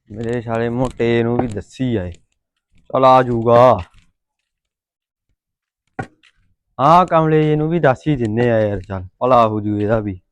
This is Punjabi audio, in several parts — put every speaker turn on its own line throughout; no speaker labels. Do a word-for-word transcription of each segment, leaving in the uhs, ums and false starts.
ਮੇਰੇ ਸਾਲੇ ਮੋਟੇ ਨੂੰ ਵੀ ਦੱਸੀ ਆਏ। ਚੱਲ ਆ ਜਾਊਗਾ। ਹਾਂ ਕਮਲੇ ਜੀ ਨੂੰ ਵੀ ਦੱਸ ਹੀ ਦਿੰਨੇ ਆ ਯਾਰ। ਚੱਲ ਭਲਾ ਹੋ ਜੂ ਇਹਦਾ ਵੀ।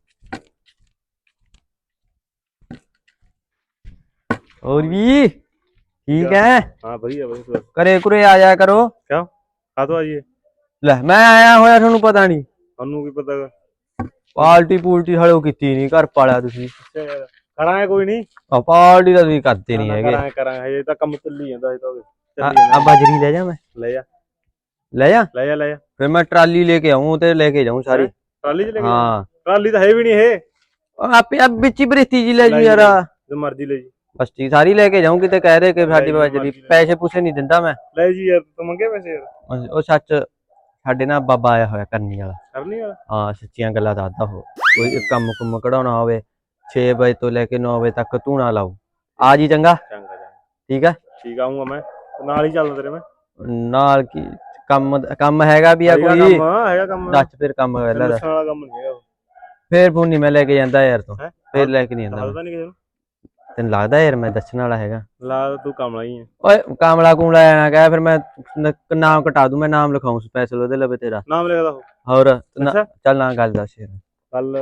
ਹੋਰ ਵੀ ਠੀਕ ਹੈ।
हाँ बढ़िया बढ़िया।
ਘਰੇ ਘੁਰੇ ਆ ਜਾਇਆ ਕਰੋ।
क्या आ तो आइए।
ਲੈ ਮੈਂ ਆਇਆ ਹੋਇਆ ਤੁਹਾਨੂੰ ਪਤਾ ਨਹੀਂ।
ਤੁਹਾਨੂੰ ਕੀ ਪਤਾ ਗਾ।
ਪਾਰਟੀ ਪੂਲਟੀ ਹਲੇ ਕੀਤੀ ਨਹੀਂ ਘਰ ਪਾਲਿਆ ਤੁਸੀਂ।
ਕਰਾਂਗੇ ਕੋਈ ਨਹੀਂ।
ਆ ਪਾਰਟੀ ਤਾਂ ਤੁਸੀਂ ਕਰਦੇ ਨਹੀਂ ਹੈਗੇ।
ਕਰਾਂਗੇ ਕਰਾਂਗੇ ਇਹ ਤਾਂ ਕੰਮ ਚੱਲੀ ਜਾਂਦਾ ਇਹ ਤਾਂ।
ਆ ਬਜਰੀ ਲੈ ਜਾ ਮੈਂ।
ਲੈ ਜਾ
ਲੈ ਜਾ
ਲੈ ਜਾ ਲੈ ਜਾ।
ਫਿਰ ਮੈਂ ਟਰਾਲੀ ਲੈ ਕੇ ਆऊं ਤੇ ਲੈ ਕੇ ਜਾऊं ਸਾਰੀ।
ਟਰਾਲੀ ਚ ਲੈ ਕੇ
ਹਾਂ
ਟਰਾਲੀ ਤਾਂ ਹੈ ਵੀ ਨਹੀਂ ਇਹ।
ਆਪੇ ਆ ਵਿੱਚ ਹੀ ਬਰੇਤੀ ਜੀ ਲੈ ਜੂ ਯਾਰ।
ਜੋ ਮਰਜ਼ੀ ਲੈ ਜੀ।
ਬਸਤੀ ਸਾਰੀ ਲੈ ਕੇ ਜਾऊं ਕਿਤੇ ਕਹਿ ਦੇ ਕਿ ਸਾਡੀ ਬਜਰੀ ਪੈਸੇ ਪੂਸੇ ਨਹੀਂ ਦਿੰਦਾ ਮੈਂ।
ਲੈ ਜੀ ਯਾਰ ਤੂੰ ਮੰਗੇ ਪੈਸੇ ਯਾਰ।
ਉਹ ਸੱਚ ਸਾਡੇ ਨਾਲ ਬਾਬਾ ਆਇਆ ਹੋਇਆ ਕਰਨੀ ਵਾਲਾ।
ਕਰਨੀ ਵਾਲਾ
ਹਾਂ ਸੱਚੀਆਂ ਗੱਲਾਂ ਦੱਸਦਾ ਉਹ। ਕੋਈ ਕੰਮ ਕੁੰਮ ਕਢਾਉਣਾ ਹੋਵੇ ਛੇ ਵਜੇ ਤੋਂ ਲੈ ਕੇ ਨੌ ਵਜੇ ਤੱਕ ਧੂਣਾ ਲਾਓ। ਆ ਜੀ ਚੰਗਾ
ਚੰਗਾ ਚੰਗਾ
ਠੀਕ ਹੈ।
ਠੀਕ ਆਉਂਗਾ ਮੈਂ ਨਾਲ ਹੀ ਚੱਲਦਾ ਤੇਰੇ ਮੈਂ।
ਨਾਲ ਕੀ ਕੰਮ ਕੰਮ ਹੈਗਾ ਵੀ ਆ ਕੋਈ
ਹੈਗਾ ਕੰਮ।
ਦੱਸ ਫਿਰ ਕੰਮ ਪਹਿਲਾਂ
ਦੱਸਣ ਵਾਲਾ ਕੰਮ ਨਹੀਂ ਹੈਗਾ।
ਫੇਰ ਫੋਨ ਨਹੀਂ ਮੈਂ ਲੈ ਕੇ ਜਾਂਦਾ ਯਾਰ ਤੂੰ। ਫੇਰ ਲੈ ਕੇ ਨਹੀਂ ਜਾਂਦਾ
ਦੱਸਦਾ ਨਹੀਂ ਕਿਸੇ ਨੂੰ।
ਤੈਨੂੰ ਲੱਗਦਾ ਯਾਰ ਮੈਂ ਦੱਸਣ ਵਾਲਾ ਹੈਗਾ।
ਲਾ ਤੂੰ ਕਮਲਾ ਹੀ ਹੈ।
ਓਏ ਕਾਮਲਾ ਕੂਮਲਾ ਆਣਾ ਕਹਿ ਫਿਰ ਮੈਂ ਨਾਮ ਕਟਾ ਦੂੰ। ਮੈਂ ਨਾਮ ਲਿਖਾਉਂ ਸਪੈਸ਼ਲ ਉਹਦੇ ਲਵੇ ਤੇਰਾ
ਨਾਮ ਲਿਖਦਾ
ਹੋਰ। ਚੱਲ ਨਾ ਗੱਲ ਦੱਸ ਯਾਰ।
ਕੱਲ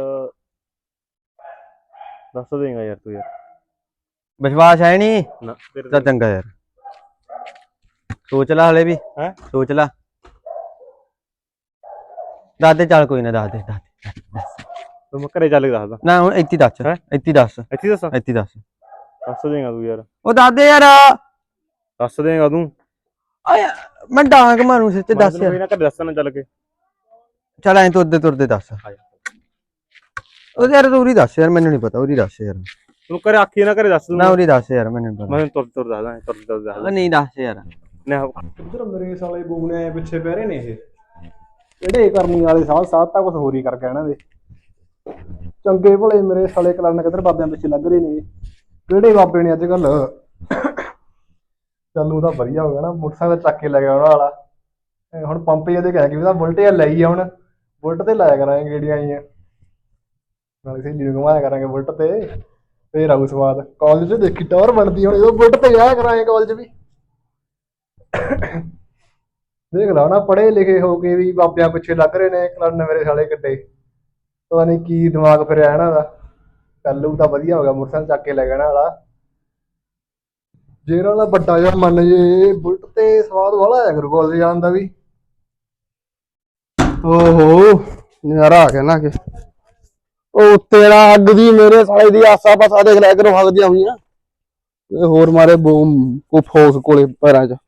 ਦੱਸ ਦੇਗਾ ਯਾਰ ਤੂੰ ਯਾਰ।
ਵਿਸ਼ਵਾਸ ਹੈ ਨਹੀਂ
ਨਾ ਤੇਰੇ
ਤਾਂ ਚੰਗਾ ਯਾਰ। ਸੋਚ ਲੈ ਹਲੇ ਵੀ
ਹੈ
ਸੋਚ ਲੈ। ਦੱਸ ਦੇ ਚੱਲ ਕੋਈ ਨਾ ਦੱਸ ਦੇ ਦੱਸ ਦੇ।
ਤੂੰ ਮੈਂ ਘਰੇ ਚੱਲ ਕੇ ਦੱਸਦਾ।
ਨਾ ਹੁਣ ਇੱਥੇ ਦੱਸ ਇੱਥੇ ਦੱਸ
ਇੱਥੇ ਦੱਸਾਂ
ਇੱਥੇ ਦੱਸ।
ਦੱਸ ਦੇਗਾ ਤੂੰ ਯਾਰ।
ਉਹ ਦੱਸ ਦੇ ਯਾਰ।
ਦੱਸ ਦੇਗਾ ਤੂੰ।
ਓਏ ਮੈਂ ਡਾਂਗ ਮਾਰੂ ਸਿੱਧੇ ਦੱਸ ਯਾਰ।
ਕੋਈ ਨਾ ਘਰੇ ਦੱਸਣਾ ਚੱਲ ਕੇ।
ਚੱਲ ਐਂ ਤੁਰਦੇ ਤੁਰਦੇ ਦੱਸ। ਉਹਦੇ ਯਾਰ ਤੂੰ ਉਰੀ ਦੱਸ ਯਾਰ ਮੈਨੂੰ ਨਹੀਂ ਪਤਾ। ਉਰੀ ਦੱਸ ਯਾਰ
ਤੂੰ ਘਰੇ ਆਖੀ ਨਾ ਘਰੇ ਦੱਸ ਦੂੰ।
ਨਾ ਉਰੀ ਦੱਸ ਯਾਰ ਮੈਨੂੰ ਪਤਾ।
ਮੈਂ ਤੁਰ ਤੁਰ ਦੱਸਦਾ ਤੁਰ ਤੁਰ ਦੱਸਦਾ।
ਨਹੀਂ ਦੱਸ ਯਾਰ।
ਨਾ
ਇੱਧਰ ਮੇਰੇ ਸਾਲੇ ਬੂਨੇ ਪਿੱਛੇ ਪੈ ਰਹੇ ਨੇ ਇਹ ਜਿਹੜੇ ਕਰਨੀ ਵਾਲੇ ਸਾਹ ਸਾਹ ਤਾਂ ਕੁਝ ਹੋਰ ਹੀ ਕਰ ਗਿਆ ਇਹਨਾਂ ਦੇ। ਚੰਗੇ ਭਲੇ ਮੇਰੇ ਸਾਲੇ ਕਲਰਨ ਕਿੱਧਰ ਬਾਬਿਆਂ ਪਿੱਛੇ ਲੱਗ ਰਹੇ ਨੇ। ਕਿਹੜੇ ਬਾਬੇ ਨੇ ਅੱਜ ਕੱਲ। ਚੱਲ ਉਹਦਾ ਵਧੀਆ ਹੋ ਗਿਆ ਨਾ ਮੋਟਰਸਾਈਕਲ ਚੱਕ ਕੇ ਲੈ ਗਿਆ ਉਹਨਾਂ ਵਾਲਾ। ਹੁਣ ਪੰਪ ਜਿਹਦੇ ਕਹਿ ਕੇ ਵੀ ਤਾਂ ਬੁਲਟ ਜਾਂ ਲਈ ਆ। ਹੁਣ ਬੁਲਟ ਤੇ ਲਾਇਆ ਕਰਾਂਗੇ ਗੇੜੀਆਂ ਆਈਆਂ ਨਾਲੇ ਸਹੇਲੀ ਨੂੰ ਘੁਮਾਇਆ ਕਰਾਂਗੇ ਬੁਲਟ ਤੇ। ਫੇਰ ਆਊ ਸਵਾਦ। ਕਾਲਜ ਚ ਦੇਖੀ ਟਾਵਰ ਬਣਦੀ ਹੁਣ ਜਦੋਂ ਬੁਲਟ ਤੇ ਜਾਇਆ ਕਰਾਂਗੇ ਕਾਲਜ ਵੀ। ਦੇਖ ਲਾ ਨਾ ਪੜ੍ਹੇ ਲਿਖੇ ਹੋ ਕੇ ਵੀ ਬਾਬਿਆਂ ਪਿੱਛੇ ਲੱਗ ਰਹੇ ਨੇ। ਕਲਰਨ ਮੇਰੇ ਸਾਲੇ ਕਿੱਡੇ ਪਤਾ ਨਹੀਂ ਕੀ ਦਿਮਾਗ ਫਿਰਿਆ ਇਹਨਾਂ ਦਾ। ਕੱਲੂ ਤਾਂ ਵਧੀਆ ਹੋ ਗਿਆ ਮੋਟਰਸਾਈਕਲ ਚੱਕ ਕੇ ਲੈ ਗਿਆ ਵਾਲਾ। ਜੇ ਇਹਨਾਂ ਦਾ ਵੱਡਾ ਜਿਹਾ ਮੰਨ ਜੇ ਬੁਲਟ ਤੇ ਸਵਾਦ ਵਾਲਾ ਆਇਆ ਕਰੂ ਕਾਲਜ ਜਾਣ ਦਾ ਵੀ। ਓਹੋ ਨਜ਼ਾਰਾ ਆ ਗਿਆ ਨਾ ਕਿ ਉਹ ਤੇਰਾ ਅੱਗ ਦੀ ਮੇਰੇ ਸਾਲੇ ਦੀ ਆਸਾ ਪਾਸਾ ਦੇਖ ਲਿਆ ਕਰੋ ਹੱਗਦੀਆਂ ਹੋਈਆਂ। ਇਹ ਹੋਰ ਮਾਰੇ ਕੋ ਫੋਸ ਕੋਲੇ ਪੈਰਾਂ 'ਚ।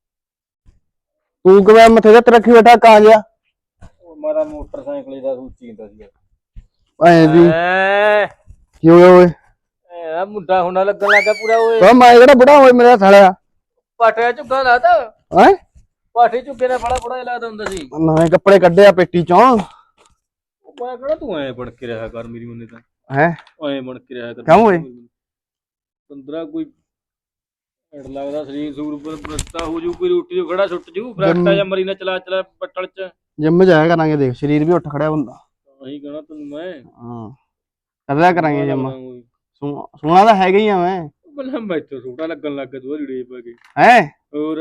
ਤੂੰ ਕਿਵੇਂ ਮੱਥੇ ਤੇ ਰੱਖੀ ਬੈਠਾ ਕਾ ਗਿਆ।
ਮਾਰਾ ਮੋਟਰਸਾਈਕਲ ਦਾ ਸੂਚੀ ਹੁੰਦਾ ਸੀ
ਐ ਵੀ ਕੀ ਹੋਇਆ ਓਏ।
ਇਹ ਮੁੰਡਾ ਹੁਣਾ ਲੱਗਣ ਲੱਗਾ ਪੂਰਾ ਓਏ।
ਤਾਂ ਮੈਂ ਕਿਹੜਾ ਬੁੜਾ ਹੋਏ ਮੇਰਾ ਸਾਲਿਆ।
ਪਾਟਿਆ ਝੁੱਗਾ ਲਾਤਾ
ਹੈ
ਪਾਠੇ ਝੁੱਗੇ ਦਾ ਬੜਾ ਬੜਾ ਲੱਗਦਾ ਹੁੰਦਾ ਸੀ।
ਨਵੇਂ ਕੱਪੜੇ ਕੱਢਿਆ ਪੇਟੀ ਚੋਂ।
ਮੈਂ ਕਿਹੜਾ ਤੂੰ ਐ ਬਣ ਕੇ ਰਿਹਾ ਕਰ ਮੇਰੀ ਮੰਨੇ ਤਾਂ
ਹੈ
ਐ ਬਣ ਕੇ ਰਿਹਾ ਕਰ।
ਕਿਉਂ ਓਏ
ਪੰਦਰਾਂ ਕੋਈ ਢਿੱਡ ਲੱਗਦਾ ਸਰੀਰ ਸੂਰ ਪ੍ਰਸਤਾ ਹੋ ਜੂ ਕੋਈ ਰੋਟੀ ਤੋਂ ਖੜਾ ਸੁੱਟ ਜੂ ਫਰੈਕਟਾ ਜਾਂ ਮਰੀ ਨਾ ਚਲਾ ਚਲਾ ਪੱਟਲ ਚ।
ਜਿੰਮ ਜਾਇਆ ਕਰਾਂਗੇ ਦੇਖ ਸਰੀਰ ਵੀ ਉੱਠ ਖੜਿਆ ਹੁੰਦਾ।
ਇਹੀ ਕਹਣਾ ਤੈਨੂੰ ਮੈਂ।
ਹਾਂ ਕਰਦਾ ਕਰਾਂਗੇ ਜਿੰਮ। ਸੋਹਣਾ ਤਾਂ ਹੈਗਾ ਹੀ ਆ ਮੈਂ।
ਬਲਾ ਮੈਥੋਂ ਛੋਟਾ ਲੱਗਣ ਲੱਗ ਗਿਆ ਤੂੰ ਰੀੜੇ ਪਾ ਕੇ
ਹੈ
ਹੋਰ।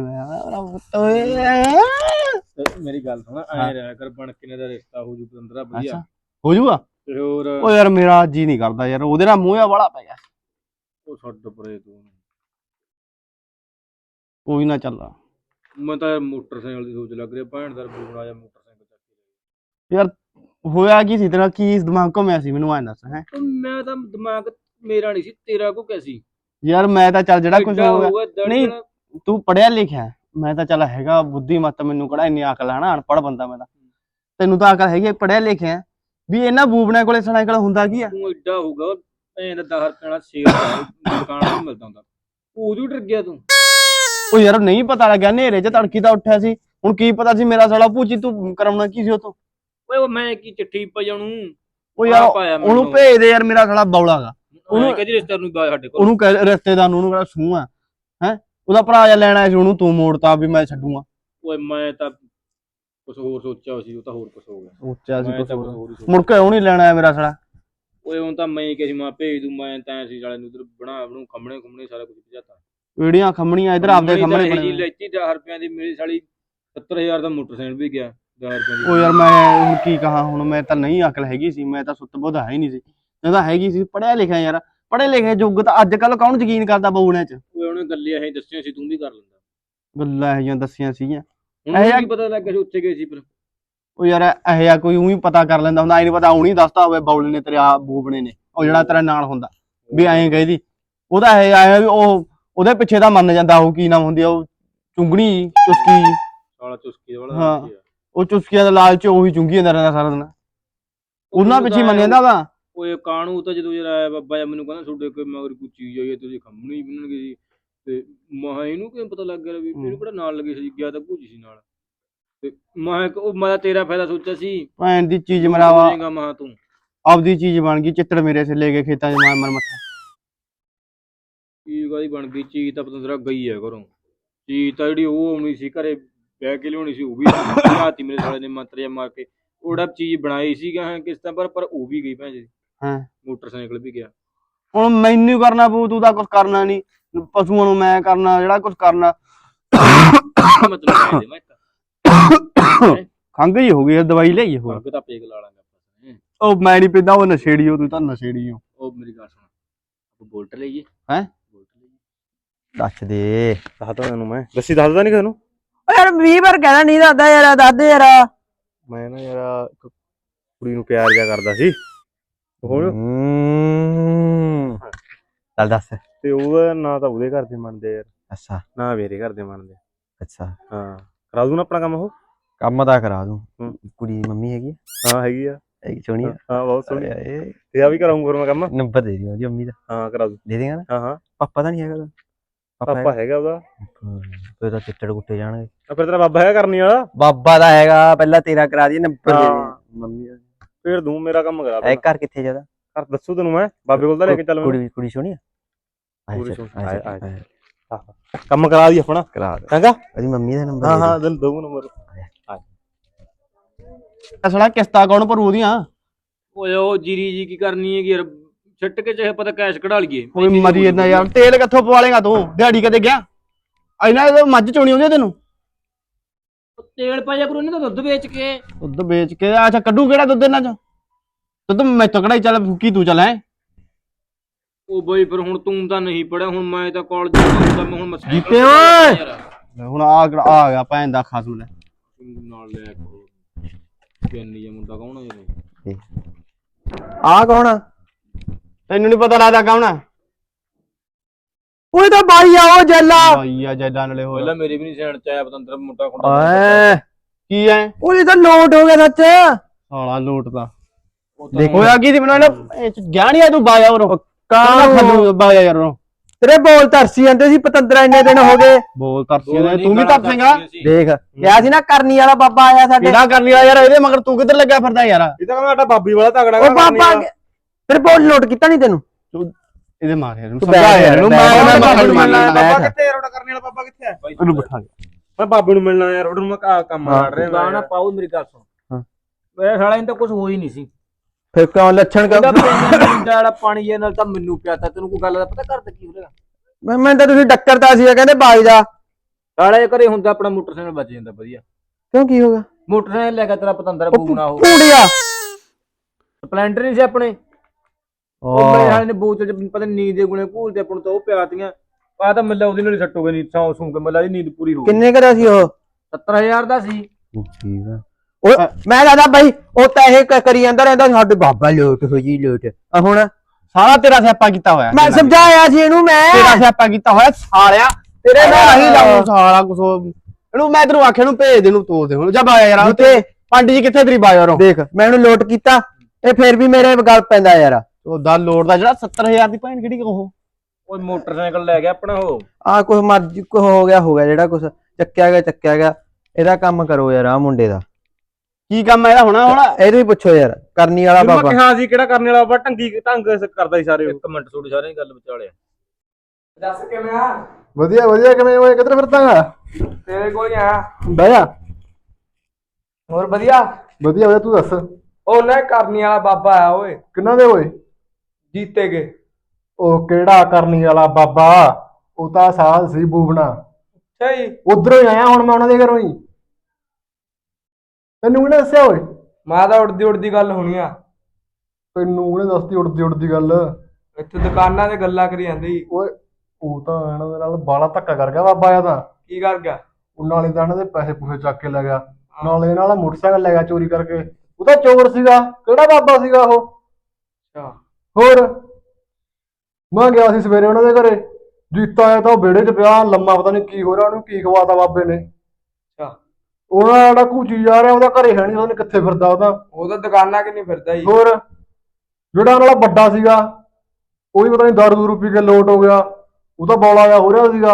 ਮੇਰੀ ਗੱਲ ਸੁਣ ਐ ਰਿਹਾ ਕਰ ਬਣ ਕੇ ਦਾ ਰਿਸ਼ਤਾ ਹੋ ਜੂ ਪੰਦਰਾਂ ਵਧੀਆ
ਹੋ ਜੂਗਾ।
ਤੇ ਹੋਰ
ਉਹ ਯਾਰ ਮੇਰਾ ਜੀ ਨਹੀਂ ਕਰਦਾ ਯਾਰ ਉਹਦੇ ਨਾਲ ਮੂੰਹ ਵਾਲਾ ਪੈ ਗਿਆ।
ਉਹ ਛੱਡ ਪਰੇ ਤੂੰ।
ਕੋਈ ਨਾ ਚੱਲ
ਮੈਂ ਤਾਂ ਮੋਟਰਸਾਈਕਲ ਦੀ ਸੋਚ ਲੱਗ ਰਿਹਾ ਭੈਣ ਦਾ ਬੂਣਾ ਜਾਂ ਮੋਟਰਸਾਈਕਲ ਚੱਕ ਕੇ
ਯਾਰ ਹੋਇਆ ਕੀ ਸੀ ਤੇਰਾ ਕੀ ਦਿਮਾਗ ਘੁੰਮਿਆ ਸੀ ਮੈਨੂੰ ਐਂ ਦੱਸ। ਹੈ
ਮੈਂ ਤਾਂ ਦਿਮਾਗ ਮੇਰਾ ਨਹੀਂ ਸੀ ਤੇਰਾ ਕੋ ਕੈਸੀ
ਯਾਰ ਮੈਂ ਤਾਂ ਚੱਲ ਜਿਹੜਾ ਕੁਝ ਹੋ ਗਿਆ ਨਹੀਂ ਤੂੰ ਪੜਿਆ ਲਿਖਿਆ ਮੈਂ ਤਾਂ ਚੱਲ ਹੈਗਾ ਬੁੱਧੀ ਮੱਤ ਮੈਨੂੰ ਕਿਹੜਾ ਇੰਨੀ ਅਕਲ ਹੈ ਨਾ ਅਨਪੜ੍ਹ ਬੰਦਾ ਮੈਂ ਤਾਂ। ਤੈਨੂੰ ਤਾਂ ਅਕਲ ਹੈਗੀ ਪੜਿਆ ਲਿਖਿਆ ਵੀ ਇਹਨਾਂ ਬੂਬਣਿਆਂ ਕੋਲੇ ਸਾਈਕਲ ਹੁੰਦਾ ਕੀ ਆ।
ਤੂੰ ਐਡਾ ਹੋਊਗਾ ਭੈਣ ਦਾ ਦਸ ਰੁਪਏ ਵਾਲਾ ਸ਼ੇਰ ਦੁਕਾਨ ਤੋਂ ਮਿਲਦਾ ਹੁੰਦਾ ਉਦੋਂ ਡਰ ਗਿਆ ਤੂੰ।
ਉਹ ਯਾਰ ਨਹੀਂ ਪਤਾ ਲੱਗਿਆ ਹਨੇਰੇ 'ਚ ਤੜਕੀ ਤਾਂ ਉੱਠਿਆ ਸੀ ਹੁਣ ਕੀ ਪਤਾ ਸੀ ਮੇਰਾ ਸਾਲਾ ਭੂਚੀ ਤੂੰ ਕਰਾਉਣਾ ਕੀ ਸੀ ਉਤੋਂ।
ਓਏ ਉਹ ਮੈਂ ਕੀ ਚਿੱਠੀ ਪਈ ਉਹਨੂੰ।
ਉਹ ਯਾਰ ਉਹਨੂੰ ਭੇਜ ਦੇ ਯਾਰ ਮੇਰਾ ਸਾਲਾ ਬੌਲਾ ਗਾ।
ਉਹਨੂੰ ਕਹਿੰਦੀ ਰਿਸ਼ਤੇਦਾਰ ਨੂੰ ਬਾਹਰ ਸਾਡੇ ਕੋਲ
ਉਹਨੂੰ ਕਹਿ ਰਿਸ਼ਤੇਦਾਰ ਨੂੰ ਉਹਨੂੰ ਕਿਹੜਾ ਸੂਹ ਆ ਹੈ ਉਹਦਾ ਭਰਾ ਜਾ ਲੈਣ ਆਇਆ ਸੀ ਉਹਨੂੰ ਤੂੰ ਮੋੜਤਾ ਵੀ ਮੈਂ ਛੱਡੂਗਾ।
ਓਏ ਮੈਂ ਤਾਂ ਕੁਛ ਹੋਰ ਸੋਚਿਆ ਸੀ ਉਹ ਤਾਂ ਹੋਰ ਕੁਛ ਹੋ ਗਿਆ।
ਸੋਚਿਆ ਸੀ ਕੁਛ ਹੋਰ ਮੁੜ ਕੇ ਉਹ ਨਹੀਂ ਲੈਣ ਆਇਆ ਮੇਰਾ ਸਾਲਾ।
ਓਏ ਹੁਣ ਤਾਂ ਮੈਂ ਕਿਹਾ ਸੀ ਮੈਂ ਭੇਜ ਦੂੰ ਮੈਂ ਤਾਂ ਸੀ ਸਾਲੇ ਨੂੰ ਉਧਰ ਬਣਾ ਬਣੂ ਖੰਮਣੇ ਖੁੰਮਣੇ ਸਾਰਾ ਕੁਝ ਭਜਾਤਾ
ਵੀੜੀਆਂ ਖੰਮਣੀਆਂ ਇਧਰ ਆਪਦੇ ਖੰਮਣੇ
ਜੀ
ਬਣੇ
ਲੈਤੀ ਦਸ ਰੁਪਈਆਂ ਦੀ ਮੇਰੀ ਸਾਲੀ ਸੱਤਰ ਹਜ਼ਾਰ ਦਾ ਮੋਟਰਸਾਈਕਲ ਵੀ ਗਿਆ ਦਸ ਰੁਪਈਆਂ ਦੀ
ਉਹ ਯਾਰ ਮੈਂ ਹੁਣ ਕੀ ਕਹਾਂ ਹੁਣ ਮੈਂ ਤਾਂ ਨਹੀਂ ਅਕਲ ਹੈਗੀ ਸੀ ਮੈਂ ਤਾਂ ਸੁੱਤ ਬੁੱਧ ਹੈ ਹੀ ਨਹੀਂ ਸੀ ਮੈਂ ਤਾਂ ਹੈਗੀ ਸੀ ਪੜਿਆ ਲਿਖਿਆ ਯਾਰ ਪੜੇ ਲਿਖੇ ਯੁੱਗ ਤਾਂ ਅੱਜ ਕੱਲ ਕੌਣ ਯਕੀਨ ਕਰਦਾ ਬਹੂਣਿਆਂ ਚ
ਓਏ ਉਹਨੇ ਗੱਲਾਂ ਇਹ ਦੱਸੀਆਂ ਸੀ ਤੂੰ ਵੀ ਕਰ ਲੈਂਦਾ
ਗੱਲਾਂ ਇਹੋ ਜਿਹੀਆਂ ਦੱਸੀਆਂ ਸੀਗੀਆਂ
ਹੁਣ
ਇਹ
ਕੀ ਪਤਾ ਲੱਗ ਗਿਆ ਸੀ ਉੱਥੇ ਗਏ ਸੀ ਫਿਰ
ਉਹ ਯਾਰ ਇਹੋ ਜਿਹਾ ਕੋਈ ਉਹੀ ਪਤਾ ਕਰ ਲੈਂਦਾ ਹੁੰਦਾ ਐ ਨਹੀਂ ਪਤਾ ਹੁਣੀ ਦੱਸਦਾ ਹੋਵੇ ਬੌਲੇ ਨੇ ਤੇਰੇ ਆ ਬੂਬਣੇ ਨੇ ਉਹ ਜਿਹੜਾ ਤੇਰੇ ਨਾਲ ਹੁੰਦਾ ਵੀ ਐਂ ਗਈ ਦੀ ਉਹਦਾ ਇਹ ਆਇਆ ਵੀ ਉਹ ਉਹਦੇ ਪਿੱਛੇ ਦਾ ਮੰਨ ਜਾਂਦਾ ਉਹ ਕੀ ਨਾਮ ਹੁੰਦੀ ਆ ਉਹ ਚੁੰਗਣੀ ਚੁਸਕੀ
ਸਾਲਾ ਚੁਸਕੀ ਵਾਲਾ
ਹਾਂ ਉਹ ਚੁਸਕੀਆਂ ਦਾ ਲਾਲਚ ਉਹੀ ਚੁੰਗੀ ਜਾਂਦਾ ਰਹਿੰਦਾ ਸਾਰਾ ਦਿਨ ਉਹਨਾਂ ਪਿੱਛੇ ਮੰਨ ਜਾਂਦਾ ਵਾ
ਓਏ ਕਾਣੂ ਤਾਂ ਜਦੋਂ ਯਾਰ ਆਇਆ ਬਾਬਾ ਜੀ ਮੈਨੂੰ ਕਹਿੰਦਾ ਤੁਹਾਡੇ ਕੋਈ ਮਗਰ ਕੋਈ ਚੀਜ਼ ਆਈ ਹੈ ਤੁਸੀਂ ਖੰਮਣੀ ਬਣਨਗੇ ਜੀ ਤੇ ਮਹਾ ਇਹਨੂੰ ਕਿਵੇਂ ਪਤਾ ਲੱਗ ਗਿਆ ਵੀ ਇਹਨੂੰ ਕਿਹੜਾ ਨਾਲ ਲੱਗੇ ਸੀ ਗਿਆ ਤਾਂ ਭੂਜੀ ਸੀ ਨਾਲ ਤੇ ਮਹਾ ਉਹ ਮੈਂ ਤੇਰਾ ਫਾਇਦਾ ਸੋਚਿਆ ਸੀ
ਭੈਣ ਦੀ ਚੀਜ਼ ਮਰਾਵਾ
ਮਹਾ ਤੂੰ
ਆਪਦੀ ਚੀਜ਼ ਬਣ ਗਈ ਚਿੱਤੜ ਮੇਰੇ ਸੇ ਲੈ ਕੇ ਖੇਤਾਂ 'ਚ ਮਾਰ ਮਾਰ ਮੱਥਾ
ਚੀਜ਼ ਕਾਹਦੀ ਬਣ ਗਈ ਚੀਜ਼ ਤਾਂ ਪਤੰਦਰਾ ਗਈ ਹੈ ਘਰੋਂ ਚੀਜ਼ ਤਾਂ ਜਿਹੜੀ ਉਹ ਆਉਣੀ ਸੀ ਘਰੇ ਬਹਿ ਕੇ ਲਿਆਉਣੀ ਸੀ ਉਹ ਵੀ ਰਾਤੀ ਮੇਰੇ ਸਾਲੇ ਨੇ ਮੰਤਰ ਜਿਹਾ ਮਾਰ ਕੇ ਉਹੜਾ ਚੀਜ਼ ਬਣਾਈ ਸੀਗਾ ਕਿਸ ਤਰ੍ਹਾਂ ਪਰ ਪਰ ਉਹ ਵੀ ਗਈ ਭੈਣ ਜੀ
ਹਾਂ
ਮੋਟਰਸਾਈਕਲ ਵੀ ਗਿਆ
ਹੁਣ ਮੈਨੂੰ ਕਰਨਾ ਪਊ ਤੂੰ ਤਾਂ ਕੁਝ ਕਰਨਾ ਨਹੀਂ ਪਸ਼ੂਆਂ ਨੂੰ ਮੈਂ ਕਰਨਾ ਜਿਹੜਾ ਕੁਝ ਕਰਨਾ
ਮਤਲਬ ਮੈਂ
ਖੰਘ ਹੀ ਹੋ ਗਈ ਦਵਾਈ ਲਈ ਹੋਰ
ਤਾਂ ਪੇਗ ਲਾ ਲਾਂਗੇ
ਉਹ ਮੈਂ ਨਹੀਂ ਪਿੰਦਾ ਉਹ ਨਸ਼ੇੜੀ ਹੋ ਤੂੰ ਤਾਂ ਨਸ਼ੇੜੀ ਹੋ
ਉਹ ਮੇਰੀ ਗੱਲ ਸੁਣ ਆਪਾਂ ਬੋਲਟ ਲਈਏ
ਹੈ
ਦੱਸ ਦੇ
ਦੱਸਦਾ ਤੈਨੂੰ ਮੈਂ ਦੱਸੀ ਦੱਸਦਾ ਨਹੀਂ ਤੈਨੂੰ
ਓ ਯਾਰ ਵੀਹ ਵਾਰ ਕਹਿਣਾ ਨਹੀਂ ਦੱਸਦਾ ਯਾਰ ਦੱਸ ਦੇ ਯਾਰ
ਮੈਂ ਨਾ ਯਾਰ ਇੱਕ ਕੁੜੀ ਨੂੰ ਪਿਆਰ ਜਿਹਾ ਕਰਦਾ ਸੀ ਹੁਣ
ਹੂੰ ਚੱਲ ਦੱਸ
ਤੇ ਉਹਦਾ ਨਾ ਤਾਂ ਉਹਦੇ ਘਰ ਦੇ ਮੰਨਦੇ ਯਾਰ
ਅੱਛਾ
ਨਾ ਮੇਰੇ ਘਰ ਦੇ ਮੰਨਦੇ
ਅੱਛਾ
ਹਾਂ ਕਰਾ ਦੂੰ ਨਾ ਆਪਣਾ ਕੰਮ ਉਹ
ਕੰਮ ਤਾਂ ਕਰਾ ਦੂੰ
ਹੂੰ।
ਕੁੜੀ ਦੀ ਮੰਮੀ ਹੈਗੀ ਆ
ਹਾਂ ਹੈਗੀ ਆ
ਹੈਗੀ ਸੋਹਣੀ ਆ
ਹਾਂ ਬਹੁਤ ਸੋਹਣੀ
ਇਹ
ਤੇ ਆ ਵੀ ਕਰਾਉਂਗਾ ਫਿਰ ਮੈਂ ਕੰਮ
ਨੰਬਰ ਦੇ ਦਿਓ ਉਹਦੀ ਮੰਮੀ ਦਾ
ਹਾਂ ਕਰਾ ਦੂੰ
ਦੇ ਦੇਗਾ ਨਾ
ਹਾਂ ਹਾਂ
ਪਾਪਾ ਤਾਂ ਨਹੀਂ ਹੈਗਾ ਉਹਦਾ?
ਪਾਪਾ ਹੈਗਾ ਉਹਦਾ
ਹੂੰ, ਫਿਰ ਤਾਂ ਚਿੱਟੜ ਕੁੱਟੇ ਜਾਣਗੇ
ਆ ਫਿਰ ਤੇਰਾ ਬਾਬਾ ਹੈਗਾ ਕਰਨੀ ਵਾਲਾ
ਬਾਬਾ ਦਾ ਹੈਗਾ ਪਹਿਲਾਂ ਤੇਰਾ ਕਰਾ ਦੀ ਨੰਬਰ ਦੇ ਦੇ
ਹਾਂ।
ਮੰਮੀ ਦਾ
ਫਿਰ ਦੂੰ ਮੇਰਾ ਕੰਮ ਕਰਾ
ਇਹ
ਦੇ
ਘਰ ਕਿੱਥੇ ਜਿਆਦਾ
ਘਰ ਦੱਸੂ ਤੈਨੂੰ ਮੈਂ ਬਾਬੇ ਕੋਲ ਤਾਂ ਲੈ ਕੇ ਚੱਲ ਮੈਨੂੰ
ਕੁੜੀ ਕੁੜੀ ਸੋਹਣੀ ਆ ਆਏ
ਕੁੜੀ
ਚੱਲ,
ਸੋਹਣੀ,
ਆਏ
ਆਏ,
ਚੱਲ,
ਆਏ।
ਆਏ।
ਕੰਮ ਕਰਾ ਦੀ ਆਪਣਾ
ਕਰਾ ਦੇ
ਚੰਗਾ
ਉਹਦੀ ਮੰਮੀ ਦਾ ਨੰਬਰ
ਹਾਂ
ਦੇ
ਹਾਂ ਦਿਲ ਦੋ ਨੰਬਰ ਅਸਲਾ ਕਿਸ਼ਤਾਂ ਕੌਣ ਭਰੂ ਉਹਦੀਆਂ
ਓਏ ਉਹ ਜੀਰੀ ਜੀ ਕੀ ਕਰਨੀ ਹੈਗੀ ਯਾਰ ਛੱਟ ਕੇ ਚਾਹੇ ਪਤਾ ਕੈਸ਼ ਕਢਾ ਲਈਏ
ਕੋਈ ਮਰੀ ਜਾਂਦਾ ਯਾਰ ਤੇਲ ਕਿੱਥੋਂ ਪਵਾ ਲੇਗਾ ਤੂੰ ਦਿਹਾੜੀ ਕਦੇ ਗਿਆ ਇਹਨਾਂ ਇਹ ਮੱਝ ਚੋਣੀ ਆਉਂਦੀ ਆ ਤੈਨੂੰ
ਤੇਲ ਪਾਇਆ ਕਰੋ ਇਹਨਾਂ ਦਾ ਦੁੱਧ ਵੇਚ ਕੇ
ਦੁੱਧ ਵੇਚ ਕੇ ਅੱਛਾ ਕੱਢੂ ਕਿਹੜਾ ਦੁੱਧ ਇਹਨਾਂ ਚ ਦੁੱਧ ਮੈਥੋਂ ਕਢਾਈ ਚੱਲ ਫੂਕੀ ਤੂੰ ਚੱਲ ਐ
ਉਹ ਬਈ ਫਿਰ ਹੁਣ ਤੂੰ ਤਾਂ ਨਹੀਂ ਪੜਿਆ ਹੁਣ ਮੈਂ ਤਾਂ ਕਾਲਜ ਜਾਂਦਾ ਮੈਂ ਹੁਣ ਮਸਾਂ
ਜੀਤੇ ਓਏ ਹੁਣ ਆ ਆ ਗਿਆ ਭੈਣ ਦਾ ਖਸਮ ਲੈ
ਨਾਲ ਲੈ ਕਿੰਨੀ ਜਿਹਾ ਮੁੰਡਾ ਕੌਣ ਆ ਯਾਰ
ਆ ਕੌਣ ਆ
ਤੈਨੂੰ ਨਹੀਂ ਪਤਾ ਲੱਗਦਾ ਕੌਣ ਆ
ਓਏ ਤਾਂ ਬਾਈ ਆ ਉਹ ਜੱਲਾ
ਬਾਈ ਆ ਜੈਦਾਂ ਨਾਲੇ
ਪਹਿਲਾਂ
ਹੋਰ
ਮੇਰੇ ਵੀ ਨਹੀਂ ਸੈਣ ਚ ਆਇਆ ਪਤੰਦਰ ਮੁੰਡਾ ਖੁੰਡਾ
ਓਏ
ਕੀ ਐ
ਉਹਦੀ ਤਾਂ ਨੋਟ ਹੋ ਗਿਆ ਸੱਚ
ਸਾਲਾ ਲੋਟ ਦਾ
ਉਹ ਤਾਂ
ਦੇਖੋ
ਹੋਇਆ ਕੀ ਸੀ ਮੈਨੂੰ ਇਹ ਗਿਆ ਨੀ ਆ ਤੂੰ ਬਾਇਆ ਉਹ
ਕਾਹਨੂੰ?
ਖੱਲੂ ਬਾਇਆ ਯਾਰ ਉਹ
ਤੇਰੇ ਬੋਲ ਤਰਸੀ ਜਾਂਦੇ ਸੀ ਪਤੰਦਰਾ ਇੰਨੇ ਦਿਨ ਹੋ ਗਏ
ਬੋਲ ਤਰਸੀ
ਦੋ
ਨੇ
ਨਹੀਂ
ਤੂੰ ਵੀ
ਗਾਲਾਂ
ਤਰਸੇਗਾ
ਕੱਢਦੀਆਂ ਸੀ।
ਦੇਖ ਕਿਹਾ ਸੀ ਨਾ ਕਰਨੀ ਵਾਲਾ ਬਾਬਾ ਆਇਆ ਸਾਡੇ
ਕਿਹੜਾ ਕਰ ਲਿਆ ਯਾਰ ਇਹਦੇ ਮਗਰ ਤੂੰ ਕਿੱਧਰ ਲੱਗਿਆ ਫਿਰਦਾ ਯਾਰ
ਇਹ ਤਾਂ ਕਹਿੰਦਾ ਬਾਬੀ ਵਾਲਾ ਤਗੜਾ
ਉਹ ਬਾਬਾ ਅੱਗੇ- ਤੇਰੇ ਬੋਲ ਨੋਟ ਕੀਤਾ ਨਹੀਂ ਤੈਨੂੰ
ਇਹਦੇ ਮਾਰ ਯਾਰ ਇਹਨੂੰ
ਤੂੰ
ਸਮਝਾ
ਬੈਠ
ਯਾਰ ਇਹਨੂੰ
ਬੈਠ,
ਮੈਂ
ਬੈਠ,
ਮੈਂ
ਬੈਠ,
ਮੰਨ
ਬੈਠ,
ਬਾਬਾ
ਬੈਠ।
ਕਿੱਥੇ ਰੋੜਾ ਕਰਨੇ ਵਾਲਾ ਬਾਬਾ ਕਿੱਥੇ ਹੈ
ਇਹਨੂੰ ਬਿਠਾ
ਮੈਂ ਬਾਬੇ ਨੂੰ ਮਿਲਣਾ ਯਾਰ ਉਹਨੂੰ ਮੈਂ ਕਾ- ਕੰਮ
ਹਾਂ।
ਕਰ ਰਿਹਾ
ਗਾਣਾ ਪਾਉ ਮੇਰੀ ਗੱਲ ਸੁਣ
ਹਾਂ।
ਮੇਰੇ ਸਾਲਾ ਇਹਨੂੰ ਤਾਂ ਕੁਝ ਹੋ ਹੀ ਨਹੀਂ ਸੀ
ਫਿਰ ਕਿਉਂ ਲੱਛਣ
ਕਹਿੰਦਾ
ਕਿਉਂ
ਪਿੰਡ ਵਾਲਾ ਪਾਣੀ ਇਹ ਨਾਲ ਤਾਂ ਮੈਨੂੰ ਪਿਆਤਾ ਤੈਨੂੰ ਕੋਈ ਗੱਲ ਦਾ ਪਤਾ ਕਰਦਾ ਕੀ ਹੋਵੇਗਾ
ਮੈਂ ਮੈਂ ਤਾਂ ਤੁਸੀਂ ਡੱਕਰਤਾ ਸੀ ਕਹਿੰਦੇ ਬਾਈ ਦਾ
ਸਾਲੇ ਘਰੇ ਹੁੰਦਾ ਆਪਣਾ ਮੋਟਰਸਾਈਕਲ ਬਚ ਜਾਂਦਾ ਵਧੀਆ
ਕਿਉਂ ਕੀ ਹੋਗਾ
ਮੋਟਰਸਾਈਕਲ ਲੈ ਕੇ ਤੇਰਾ ਪਤੰਦਰ ਬੂਣਾ ਉਹ
ਪੂੜੀਆ
ਸਪਲੈਂਡਰ ਨਹੀਂ ਸੀ ਆਪਣੇ ਉਹ ਮੇਰੇ ਹਾਲੇ ਨੇ ਬੋਤਲ ਚ ਪਤਾ ਨੀ ਨੀਂਦ ਦੇ ਗੁਣੇ ਘੂਲ ਤੇ ਆਪਾਂ ਨੂੰ ਤਾਂ ਉਹ ਪਿਆਤੀਆਂ ਆ ਤਾਂ ਮੱਲਾ ਉਹਦੇ ਨਾਲ ਹੀ ਸੱਟੋਗੇ ਨੀ ਸੌਂ ਸੂੰ ਕੇ ਮੱਲਾ ਦੀ ਨੀਂਦ ਪੂਰੀ ਹੋ ਗਈ
ਕਿੰਨੇ ਕਰਿਆ ਸੀ ਉਹ
ਸੱਤਰ ਹਜ਼ਾਰ ਦਾ ਸੀ
ਠੀਕ ਆ ਓਏ ਮੈਂ ਕਹਦਾ ਬਾਈ ਉਹ ਤਾਂ ਇਹ ਕ- ਕਰੀ ਜਾਂਦਾ ਰਹਿੰਦਾ ਸਾਡੇ ਬਾਬਾ ਲੋਟ ਹੋ ਜੀ ਲੋਟ ਆ ਹੁਣ
ਸਾਰਾ ਤੇਰਾ ਸਿਆਪਾ ਕੀਤਾ ਹੋਇਆ
ਮੈਂ ਸਮਝਾਇਆ ਸੀ ਇਹਨੂੰ ਮੈਂ
ਤੇਰਾ ਸਿਆਪਾ ਕੀਤਾ ਹੋਇਆ ਸਾਲਿਆ ਤੇਰੇ ਨਾਲ ਹੀ ਲਾਉਂ ਸਾਲਾ ਕੁਛ ਇਹਨੂੰ ਮੈਂ ਤੈਨੂੰ ਆਖਿਆ ਨੂੰ ਭੇਜ ਦੇ ਨੂੰ ਤੋੜ ਦੇ ਹੁਣ ਜਾ ਬਾਇਆ ਯਾਰ
ਜਿੱਤੇ
ਪੰਡ ਜੀ ਕਿੱਥੇ ਤੇਰੀ ਬਾਇਆ ਰੋ
ਦੇਖ ਮੈਂ ਇਹਨੂੰ ਲੋਟ ਕੀਤਾ ਇਹ ਫੇਰ ਵੀ ਮੇਰੇ ਗੱਲ ਪੈਂਦਾ ਯਾਰ
ਉਹ ਦਾ ਲੋੜ ਦਾ ਜਿਹੜਾ ਸੱਤਰ ਹਜ਼ਾਰ ਦੀ ਭੈਣ ਕਿਹੜੀ ਉਹ
ਉਹ ਮੋਟਰਸਾਈਕਲ ਲੈ ਗਿਆ ਆਪਣਾ ਉਹ
ਆ ਕੁਛ ਮਰਜੀ ਕੁਛ ਹੋ ਗਿਆ ਹੋ ਗਿਆ ਜਿਹੜਾ ਕੁਛ ਚੱਕਿਆ ਗਿਆ ਚੱਕਿਆ ਗਿਆ ਇਹਦਾ ਕੰਮ ਕਰੋ ਯਾਰ ਆ ਮੁੰਡੇ ਦਾ
ਕੀ ਕੰਮ ਇਹਦਾ ਹੋਣਾ ਹੁਣ
ਇਹਨੂੰ ਹੀ ਪੁੱਛੋ ਯਾਰ ਕਰਨੀ ਵਾਲਾ
ਮੈਂ
ਬਾਬਾ
ਕਿਹਾ ਸੀ ਕਿਹੜਾ ਕਰਨੇ ਵਾਲਾ ਬਾਬਾ ਢੰਗੀ ਢੰਗ ਕਰਦਾ ਸੀ ਸਾਰੇ ਉਹ।
ਇੱਕ ਮਿੰਟ ਥੋੜੀ ਸਾਰੇ ਗੱਲ ਵਿਚਾਲਿਆ
ਦੱਸ ਕਿਵੇਂ ਆ ਵਧੀਆ ਵਧੀਆ ਕਿਵੇਂ ਓਏ ਕਿੱਧਰ ਫਿਰਦਾਗਾ
ਤੇਰੇ ਕੋਲ ਆ
ਬਹਿ ਜਾ
ਹੋਰ ਵਧੀਆ
ਵਧੀਆ ਵਧੀਆ ਤੂੰ ਦੱਸ
ਉਹ ਲੈ ਕਰਨੀ ਵਾਲਾ ਬਾਬਾ ਆ ਓਏ
ਕਿੰਨਾ ਦੇ ਓਏ
ਜੀਤੇ ਕੇ
ਉਹ ਕਿਹੜਾ ਕਰਨੀ ਵਾਲਾ ਬਾਬਾ, ਉਹ ਤਾਂ ਸਾਧ ਸੀ ਬੂਬਣਾ।
ਅੱਛਾ ਜੀ।
ਉਧਰੋਂ ਹੀ ਆਇਆ ਹੁਣ ਮੈਂ ਉਹਨਾਂ ਦੇ ਘਰੋਂ ਹੀ। ਤੈਨੂੰ ਕਿਹਨੇ ਦੱਸਿਆ ਓਏ?
ਮੈਂ ਤਾਂ ਉੜਦੀ ਉੜਦੀ ਗੱਲ ਹੋਣੀ ਆ।
ਤੈਨੂੰ ਕਿਹਨੇ ਦੱਸਦੀ ਉੜਦੀ ਉੜਦੀ ਗੱਲ?
ਇੱਥੇ ਦੁਕਾਨਾਂ ਤੇ ਗੱਲਾਂ ਕਰੀ ਜਾਂਦੇ ਸੀ।
ਓਏ ਉਹ ਤਾਂ ਇਹਨਾਂ ਦੇ ਨਾਲ ਬਾਲਾ ਧੱਕਾ ਕਰ ਗਿਆ ਬਾਬਾ ਆ ਤਾਂ।
ਕੀ ਕਰ ਗਿਆ?
ਉਹ ਨਾਲੇ ਤਾਂ ਇਹਨਾਂ ਦੇ ਪੈਸੇ ਪੂਸੇ ਚੱਕ ਕੇ ਲੈ ਗਿਆ, ਨਾਲੇ ਇਹਨਾਂ ਦਾ ਮੋਟਰਸਾਈਕਲ ਲੈ ਗਿਆ ਚੋਰੀ ਕਰਕੇ। ਉਹ ਤਾਂ ਚੋਰ ਸੀਗਾ, ਕਿਹੜਾ ਬਾਬਾ ਸੀਗਾ ਉਹ?
ਅੱਛਾ।
ਹੋਰ ਮੈਂ ਗਿਆ ਸੀ ਸਵੇਰੇ ਉਹਨਾਂ ਦੇ ਘਰੇ, ਜੀਤਾ ਆਇਆ ਤਾਂ ਉਹ ਵਿਹੜੇ 'ਚ ਪਿਆ ਲੰਮਾ, ਪਤਾ ਨਹੀਂ ਕੀ ਹੋ ਰਿਹਾ ਉਹਨੂੰ, ਕੀ ਖਵਾਤਾ ਬਾਬੇ ਨੇ।
ਅੱਛਾ।
ਉਹਨਾਂ ਜਿਹੜਾ ਘੂਚੀ ਜਾ ਰਿਹਾ ਉਹਦਾ ਘਰੇ ਹੈ ਨਹੀਂ, ਉਹਨੇ ਕਿੱਥੇ ਫਿਰਦਾ ਉਹਦਾ।
ਉਹ ਤਾਂ ਦੁਕਾਨਾਂ ਕਿ ਨਹੀਂ ਫਿਰਦਾ ਜੀ।
ਹੋਰ ਜਿਹੜਾ ਉਹਨਾਂ ਦਾ ਵੱਡਾ ਸੀਗਾ ਉਹ ਵੀ ਪਤਾ ਨਹੀਂ ਦਾਰੂ ਦੂਰੂ ਪੀ ਕੇ ਲੋਟ ਹੋ ਗਿਆ, ਉਹ ਤਾਂ ਬੌਲਾ ਜਿਹਾ ਹੋ ਰਿਹਾ ਸੀਗਾ।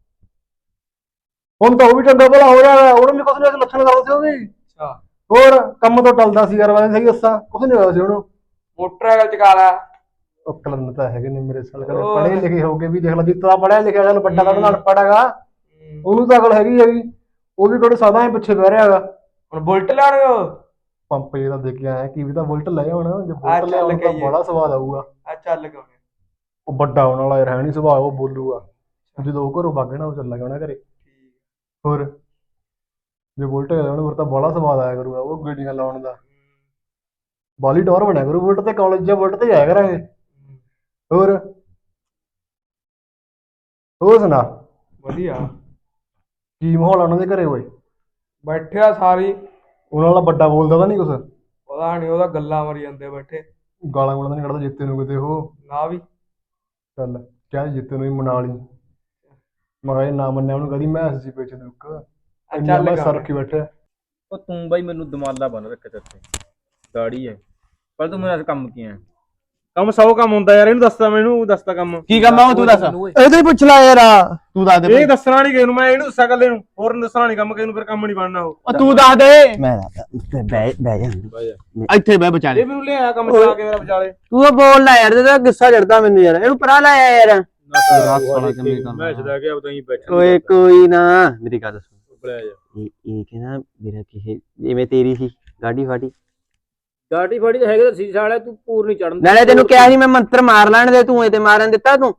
ਹੁਣ ਤਾਂ ਉਹ ਵੀ ਚੰਗਾ ਭਲਾ ਹੋ ਰਿਹਾ ਹੈ, ਉਹਨੂੰ ਵੀ ਕੁਛ ਨਹੀਂ ਲੱਛਣ ਕਰਦਾ ਸੀ ਉਹ ਵੀ।
ਅੱਛਾ।
ਹੋਰ ਕੰਮ ਤੋਂ ਟਲਦਾ ਸੀ ਯਾਰ, ਮੈਂ ਸਹੀ ਦੱਸਾਂ ਕੁਛ ਨਹੀਂ ਹੋਇਆ ਸੀ ਉਹਨੂੰ।
ਮੋਟਰਸਾਈਕਲ ਚਕਾ ਲਾ।
ਉਹ ਕਲੰਨ ਤਾਂ ਹੈਗੇ ਨੇ ਮੇਰੇ ਸਾਲ ਕਦੇ
ਹੋਰ।
ਪੜ੍ਹੇ ਲਿਖੇ ਹੋ ਕੇ ਵੀ ਦੇਖ ਲਾ, ਜਿੱਤਾ ਪੜ੍ਹਿਆ ਲਿਖਿਆ ਚੱਲ ਵੱਡਾ ਤਾਂ ਨਾਲ ਪੜਾਗਾ,
ਹੂੰ।
ਉਹਨੂੰ ਤਾਂ ਅਕਲ ਹੈਗੀ ਹੈਗੀ, ਉਹ ਵੀ ਕਿਹੜੇ ਸਾਦਾ ਹੀ ਪਿੱਛੇ ਬਹਿ ਰਿਹਾ ਹੈਗਾ।
ਹੁਣ ਬੁਲਟ ਲੈਣਗੇ ਉਹ।
ਪੰਪ ਜੇ ਦਾ ਦੇ ਕੇ ਆਇਆ ਕੀ ਵੀ ਤਾਂ ਬੁਲਟ ਲੈ ਹੁਣ, ਜੇ
ਆ
ਬੁਲਟ
ਚੱਲ
ਲਿਆਉਣ ਤਾਂ
ਕੇ
ਬੜਾ ਸਵਾਦ ਆਊਗਾ।
ਆ ਚੱਲ ਕੇ ਆਉਣੇ।
ਉਹ ਵੱਡਾ ਉਹਨਾਂ ਵਾਲਾ ਯਾਰ ਹੈ ਨਹੀਂ ਸੁਭਾਅ, ਉਹ ਬੋਲੂਗਾ ਜਦੋਂ ਉਹ ਘਰੋਂ ਵਗ ਨਾ ਉਹ ਚੱਲਾਂਗੇ ਉਹਨਾਂ ਘਰੇ। ਹੋਰ ਜੇ ਬੁਲਟ ਹੋਇਆ ਉਹਨੂੰ ਫਿਰ ਤਾਂ ਬੜਾ ਸਵਾਦ ਆਇਆ ਕਰੂਗਾ ਉਹ ਗੱਡੀਆਂ ਲਾਉਣ ਦਾ, ਬਾਲੀ ਟੌਰ ਬਣਿਆ ਕਰੂ ਬੁਲਟ ਤੇ, ਕਾਲਜ ਜਾਂ ਬੁਲਟ ਤੇ ਜਾਇਆ ਕਰਾਂਗੇ। ਹੋਰ ਹੋਰ ਸੁਣਾ
ਵਧੀਆ।
ਕੀ ਮਾਹੌਲ ਆ ਉਹਨਾਂ ਦੇ ਘਰੇ ਓਏ?
ਬੈਠਿਆ ਸਾਰੀ।
ਉਹਨਾਂ ਵਾਲਾ ਵੱਡਾ ਬੋਲਦਾ ਤਾਂ ਨਹੀਂ ਕੁਛ?
ਪਤਾ ਨਹੀਂ, ਉਹਦਾ ਗੱਲਾਂ ਮਾਰੀ ਜਾਂਦੇ ਬੈਠੇ।
ਗਾਲਾਂ ਗੂਲਾਂ ਤਾਂ ਨਹੀਂ ਕੱਢਦਾ ਜਿੱਤੇ ਨੂੰ ਕਿਤੇ ਉਹ?
ਨਾ ਵੀ।
ਚੱਲ ਕਿਆ ਜਿੱਤੇ ਨੂੰ ਹੀ ਮਨਾ ਲਈ। ਮੈਂ ਕਿਹਾ ਜੇ ਨਾ ਮੰਨਿਆ ਉਹਨੂੰ ਕਦੀ ਮੈਂ ਸੀ ਪਿੱਛੇ ਦੁੱਕ ਇੰਨਾ
ਚੱਲ
ਮੈਂ
ਕਰ।
ਸਰ ਰੱਖੀ ਬੈਠਿਆ।
ਉਹ ਤੂੰ ਬਾਈ ਮੈਨੂੰ ਦਮਾਲਾ ਬੰਨ ਰੱਖਿਆ ਤੇਰੇ ਤੇ, ਦਾੜੀ ਹੈ ਪਰ ਤੂੰ ਮੇਰਾ ਕੰਮ ਕੀ ਹੈ?
ਕੰਮ ਸੌ ਕੰਮ ਹੁੰਦਾ ਯਾਰ, ਇਹਨੂੰ ਦੱਸਦਾ, ਮੈਨੂੰ ਦੱਸਦਾ ਕੰਮ।
ਕੀ ਕੰਮ ਆ ਉਹ ਤੂੰ ਦੱਸ, ਇਹਦੇ ਹੀ ਪੁੱਛ ਲੈ ਯਾਰ, ਤੂੰ ਦੱਸ ਦੇ
ਇਹ ਦੱਸਣਾ ਨਹੀਂ ਕਿਸੇ ਨੂੰ, ਮੈਂ ਇਹਨੂੰ ਦੱਸਾਂ ਕੱਲੇ ਨੂੰ, ਹੋਰ ਨੂੰ ਦੱਸਣਾ ਨਹੀਂ ਕੰਮ ਕਿਸੇ ਨੂੰ, ਫਿਰ ਕੰਮ ਨਹੀਂ ਬਣਨਾ ਉਹ।
ਉਹ ਤੂੰ ਦੱਸ ਦੇ।
ਮੈਂ ਬਹਿ ਬਹਿ ਜਾ,
ਇੱਥੇ ਬਹਿ ਵਿਚਾਲੇ।
ਇਹ ਮੈਨੂੰ ਲਿਆਇਆ ਕੰਮ ਚਲਾ ਕੇ ਮੇਰਾ ਵਿਚਾਲੇ।
ਤੂੰ ਉਹ ਬੋਲ ਲੈ ਯਾਰ, ਤੇਰਾ ਗੁੱਸਾ ਚੜਦਾ ਮੈਨੂੰ ਯਾਰ, ਇਹਨੂੰ ਪਰਾ ਲੈ ਆ ਯਾਰ।
ਮੈਂ ਛਦਾ ਕੇ ਆਪਦਾ ਹੀ ਬੈਠਾ।
ਓਏ ਕੋਈ ਨਾ, ਮੇਰੀ ਗੱਲ ਸੁਣ,
ਬੁਲਾਇਆ ਜਾ।
ਇਹ ਇਹ ਕਹਿੰਦਾ ਮੇਰਾ ਕਿਸੇ ਜਿਵੇਂ ਤੇਰੀ ਸੀ ਗਾਡੀ ਫਾਡੀ,
ਗਾੜੀ ਫਾੜੀ ਤਾਂ ਹੈਗੇ ਤਾਂ ਸੀਸਾ ਵਾਲਾ, ਤੂੰ ਪੂਰ ਨਹੀਂ ਚੜਨ।
ਨਾਲੇ ਤੈਨੂੰ ਕਿਹਾ ਸੀ ਮੈਂ ਮੰਤਰ ਮਾਰ ਲੈਣ ਦੇ, ਤੂੰ ਇਹ ਤੇ ਮਾਰਨ ਦਿੱਤਾ ਤੂੰ।